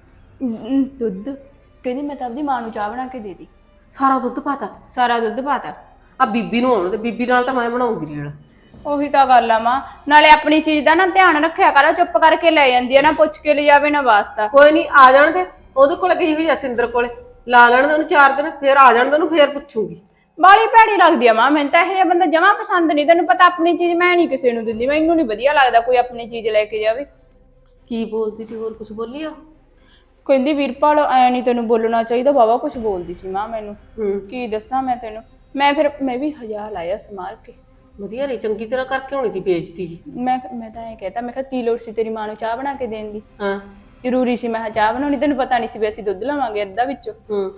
[SPEAKER 4] ਦੁੱਧ ਕਹਿੰਦੀ ਮੈਂ ਤਾਂ ਆਪਦੀ ਮਾਂ ਨੂੰ ਚਾਹ ਬਣਾ ਕੇ ਦੇ ਦੀ।
[SPEAKER 1] ਸਾਰਾ ਦੁੱਧ ਪਾਤਾ?
[SPEAKER 4] ਸਾਰਾ ਦੁੱਧ ਪਾਤਾ।
[SPEAKER 1] ਆ ਬੀਬੀ ਨੂੰ ਆਉਣ ਤੇ ਬੀਬੀ ਨਾਲ ਤਾਂ ਮੈਂ ਬਣਾਉਂਗੀ ਰੇਲ।
[SPEAKER 4] ਉਹੀ ਤਾਂ ਗੱਲ ਆ ਮਾਂ, ਨਾਲੇ ਆਪਣੀ ਚੀਜ਼ ਦਾ ਨਾ ਧਿਆਨ ਰੱਖਿਆ ਕਰ। ਚੁੱਪ ਕਰਕੇ ਲੈ ਜਾਂਦੀ ਆ, ਨਾ ਪੁੱਛ ਕੇ ਲੈ ਜਾਵੇ ਨਾ ਵਾਸਤਾ।
[SPEAKER 1] ਕੋਈ ਨਹੀਂ ਆ ਜਾਣ ਦੇ, ਉਹਦੇ ਕੋਲ ਗਈ ਹੋਈ ਆ ਸਿੰਦਰ ਕੋਲੇ, ਲਾ ਲੈਣ ਦੇ ਉਹਨੂੰ 4 ਦਿਨ, ਫੇਰ ਆ ਜਾਣ ਦੇ ਉਹਨੂੰ, ਫੇਰ ਪੁੱਛੂਗੀ।
[SPEAKER 4] ਬਾਲੀ ਭੈੜੀ ਲੱਗਦੀ ਆ ਮਾਂ, ਮੈਨੂੰ ਤਾਂ ਇਹ ਜਿਹਾ ਬੰਦਾ ਜਮਾਂ ਪਸੰਦ ਨਹੀਂ। ਤੈਨੂੰ ਪਤਾ ਆਪਣੀ ਚੀਜ਼ ਮੈਂ ਨਹੀਂ ਕਿਸੇ ਨੂੰ ਦਿੰਦੀ, ਮੈਨੂੰ ਨਹੀਂ ਵਧੀਆ ਲੱਗਦਾ ਕੋਈ ਆਪਣੀ ਚੀਜ਼ ਲੈ ਕੇ ਜਾਵੇ।
[SPEAKER 1] ਕੀ ਬੋਲਦੀ ਤੀ, ਹੋਰ ਕੁਝ ਬੋਲੀ ਆ?
[SPEAKER 4] ਕਹਿੰਦੀ ਵੀਰਪਾਲ ਐ ਨਹੀਂ ਤੈਨੂੰ ਬੋਲਣਾ ਚਾਹੀਦਾ, ਬਾਵਾ ਕੁਝ ਬੋਲਦੀ ਸੀ ਮਾਂ ਮੈਨੂੰ। ਕੀ ਦੱਸਾਂ ਮੈਂ ਤੈਨੂੰ, ਮੈਂ ਵੀ 1000 ਲਾਇਆ ਸਮਾਰ ਕੇ।
[SPEAKER 1] ਵਧੀਆ ਨਹੀਂ, ਚੰਗੀ ਤਰ੍ਹਾਂ ਕਰਕੇ ਹੋਣੀ ਤੀ ਬੇਇੱਜ਼ਤੀ ਜੀ।
[SPEAKER 4] ਮੈਂ ਤਾਂ ਐ ਕਹਿਤਾ, ਮੈਂ ਕਿਹਾ ਕੀ ਲੋੜ ਸੀ ਤੇਰੀ ਮਾਂ ਨੂੰ ਚਾਹ ਬਣਾ ਕੇ ਦੇਣ ਦੀ?
[SPEAKER 1] ਹਾਂ
[SPEAKER 4] ਜ਼ਰੂਰੀ ਸੀ ਮੈਂ ਚਾਹ ਬਣਾਉਣੀ? ਤੈਨੂੰ ਪਤਾ ਨਹੀਂ ਸੀ ਵੀ ਅਸੀਂ ਦੁੱਧ ਲਵਾਂਗੇ ਅੱਧਾ ਵਿੱਚੋਂ।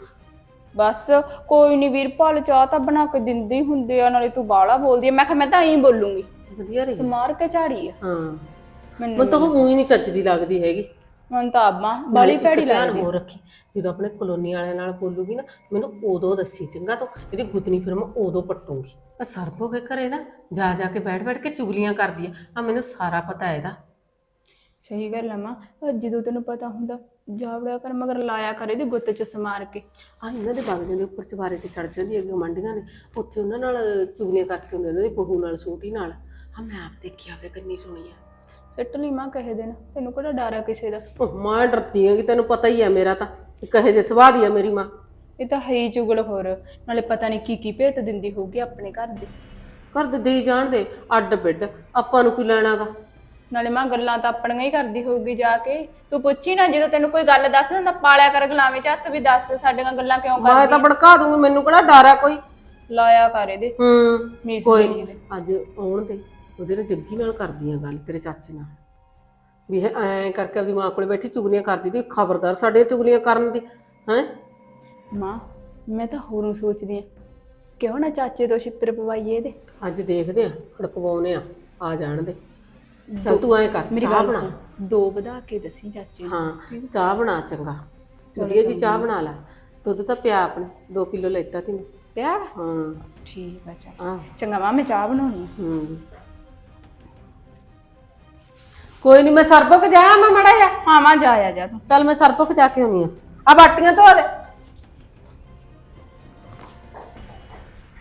[SPEAKER 4] ਬਸ ਕੋਈ ਨਹੀਂ ਵੀਰਪਾਲ, ਚਾਹ ਤਾਂ ਬਣਾ ਕੇ ਦਿੰਦੇ ਹੀ ਹੁੰਦੇ ਆ, ਨਾਲੇ ਤੂੰ ਬਾਲਾ ਬੋਲਦੀ ਆ। ਮੈਂ ਕਿਹਾ ਮੈਂ ਤਾਂ ਐਂ ਬੋਲੂੰਗੀ।
[SPEAKER 1] ਵਧੀਆ ਰਹੀ
[SPEAKER 4] ਸਮਾਰ ਕੇ ਝਾੜੀ ਆ।
[SPEAKER 1] ਹਾਂ
[SPEAKER 4] ਮੈਨੂੰ
[SPEAKER 1] ਤਾਂ ਉਹ ਮੂੰਹ ਹੀ ਨਹੀਂ ਚੱਜਦੀ ਲੱਗਦੀ ਹੈਗੀ।
[SPEAKER 4] ਮਨ ਤਾਂ ਆਬਾਂ ਬਾਲੀ ਭੈੜੀ ਲੱਗਦੀ।
[SPEAKER 1] ਹੋ ਰੱਖੀ ਜਦੋਂ ਆਪਣੇ ਕਲੋਨੀ ਵਾਲਿਆਂ ਨਾਲ ਬੋਲੂਗੀ ਨਾ, ਮੈਨੂੰ ਉਦੋਂ ਦੱਸੀ ਚੰਗਾ, ਤੂੰ ਇਹਦੀ ਗੁੱਤਨੀ ਫਿਰ ਮੈਂ ਉਦੋਂ ਪੱਟੂਗੀ। ਆ ਸਰਬੋ ਕੇ ਘਰੇ ਨਾ ਜਾ ਕੇ ਬੈਠ ਕੇ ਚੁਗਲੀਆਂ ਕਰਦੀ ਆ ਮੈਨੂੰ ਸਾਰਾ ਪਤਾ ਇਹਦਾ।
[SPEAKER 4] ਸਹੀ ਗੱਲ ਆ ਮਾਂ, ਜਦੋਂ ਤੈਨੂੰ ਪਤਾ ਹੁੰਦਾ ਜਾਵੜਿਆ ਕਰ, ਮਗਰ ਲਾਇਆ ਕਰ ਇਹਦੀ ਗੁੱਤ ਚ ਸਮਾਰ ਕੇ।
[SPEAKER 1] ਆ ਇਹਨਾਂ ਦੇ ਬਾਗਾਂ ਦੇ ਉੱਪਰ ਚਵਾਰੇ ਤੇ ਚੜ ਜਾਂਦੀ ਹੈਗੀ ਮੰਡੀਆਂ ਨੇ, ਉੱਥੇ ਉਹਨਾਂ ਨਾਲ ਚੁਗਲੀਆਂ ਕਰਕੇ ਹੁੰਦੇ, ਉਹਨਾਂ ਦੀ ਬਹੂ ਨਾਲ, ਛੋਟੀ ਨਾਲ। ਹਾਂ ਮੈਂ ਆਪ ਦੇਖਿਆ ਤੇ ਕੰਨੀ ਸੁਣੀ ਆ।
[SPEAKER 4] ਸਿੱਟ ਲਈ ਮਾਂ ਕਹੇ ਦਿਨ, ਤੈਨੂੰ ਕਿਹੜਾ ਡਰ ਆ ਕਿਸੇ ਦਾ?
[SPEAKER 1] ਮਾਂ ਡਰਦੀ ਹੈਗੀ, ਤੈਨੂੰ ਪਤਾ ਹੀ ਆ ਮੇਰਾ ਤਾਂ ਕਹੇ ਜੇ ਸੁਭਾਅ ਦੀ ਆ ਮੇਰੀ ਮਾਂ।
[SPEAKER 4] ਇਹ ਤਾਂ ਹੈ ਹੀ ਚੁਗਲ। ਹੋਰ ਨਾਲੇ ਪਤਾ ਨਹੀਂ ਕੀ ਭੇਤ ਦਿੰਦੀ ਹੋਊਗੀ ਆਪਣੇ ਘਰ ਦੇ।
[SPEAKER 1] ਘਰ ਦੇ ਦੇਈ ਜਾਣ ਦੇ ਅੱਡ ਬਿੱਡ, ਆਪਾਂ ਨੂੰ ਕੀ ਲੈਣਾਗਾ।
[SPEAKER 4] ਨਾਲੇ ਮਾਂ ਗੱਲਾਂ ਤਾਂ ਆਪਣੀਆਂ ਹੀ ਕਰਦੀ ਹੋਊਗੀ ਜਾ ਕੇ। ਤੂੰ ਪੁੱਛੀ ਨਾ, ਜਦੋਂ ਤੈਨੂੰ ਕੋਈ ਗੱਲ ਦੱਸ ਦਿੰਦਾ ਪਾਲਿਆ ਕਰ ਗਲਾਵੇਂ ਚ ਹੱਥ ਵੀ, ਦੱਸ ਸਾਡੀਆਂ ਗੱਲਾਂ ਕਿਉਂ ਕਰਦੀ?
[SPEAKER 1] ਮੈਂ ਤਾਂ ਭੜਕਾ ਦੂੰਗੀ, ਮੈਨੂੰ ਕਿਹੜਾ ਡਰ ਆ ਕੋਈ।
[SPEAKER 4] ਲਾਇਆ ਕਰ ਇਹਦੇ
[SPEAKER 1] ਕੋਈ ਅੱਜ ਆਉਣ ਦੇ, ਉਹਦੇ ਨਾਲ ਜੱਗੀ ਨਾਲ ਕਰਦੀਆਂ ਗੱਲ, ਤੇਰੇ ਚਾਚੇ ਨਾਲ, ਵੀ ਇਹ ਐਂ ਕਰਕੇ ਆਪਦੀ ਮਾਂ ਕੋਲੇ ਬੈਠੀ ਚੁਗਲੀਆਂ ਕਰਦੀ ਤੀ। ਖਬਰਦਾਰ ਸਾਡੇ ਚੁਗਲੀਆਂ ਕਰਨ ਦੀ। ਹੈਂ
[SPEAKER 4] ਮਾਂ ਮੈਂ ਤਾਂ ਹੋਰੋਂ ਸੋਚਦੀ ਆ, ਕਿਉਂ ਨਾ ਚਾਚੇ ਤੋਂ ਛਿੱਤਰ ਪਵਾਈਏ ਇਹਦੇ।
[SPEAKER 1] ਅੱਜ ਦੇਖਦੇ ਆ, ਖੜਕਵਾਉਨੇ ਆ ਜਾਣ ਦੇ। ਚੱਲ ਤੂੰ ਐਂ ਕਰ,
[SPEAKER 4] ਮੇਰੀ
[SPEAKER 1] ਚਾਹ
[SPEAKER 4] ਗੱਲ
[SPEAKER 1] ਬਣਾ।
[SPEAKER 4] ਸੁਣ, 2 ਵਧਾ ਕੇ ਦੱਸੀ ਚਾਚੇ ਨੂੰ।
[SPEAKER 1] ਹਾਂ ਚਾਹ ਬਣਾ, ਚੰਗਾ ਵਧੀਆ ਜੀ ਚਾਹ ਬਣਾ ਲੈ। ਦੁੱਧ ਤਾਂ ਪਿਆ ਆਪਣੇ 2 ਕਿਲੋ ਲੈਤਾ ਤੀ ਮੈਂ।
[SPEAKER 4] ਪਿਆ?
[SPEAKER 1] ਹਾਂ
[SPEAKER 4] ਠੀਕ ਆ, ਚੱਲ
[SPEAKER 1] ਹਾਂ
[SPEAKER 4] ਚੰਗਾ ਮਾਂ, ਮੈਂ ਚਾਹ ਬਣਾਉਣੀ ਆ।
[SPEAKER 1] ਕੋਈ ਨਹੀਂ, ਮੈਂ ਸਰਬਕ ਜਾਇਆ ਮੈਂ ਮੜਾ ਜਾ।
[SPEAKER 4] ਹਾਂ ਮਾਂ ਜਾ ਆ ਜਾ ਤੂੰ।
[SPEAKER 1] ਚੱਲ ਮੈਂ ਸਰਬਕ ਜਾ ਕੇ ਆਉਣੀ ਆ ਬਾਟੀਆਂ ਧੋ ਦੇ।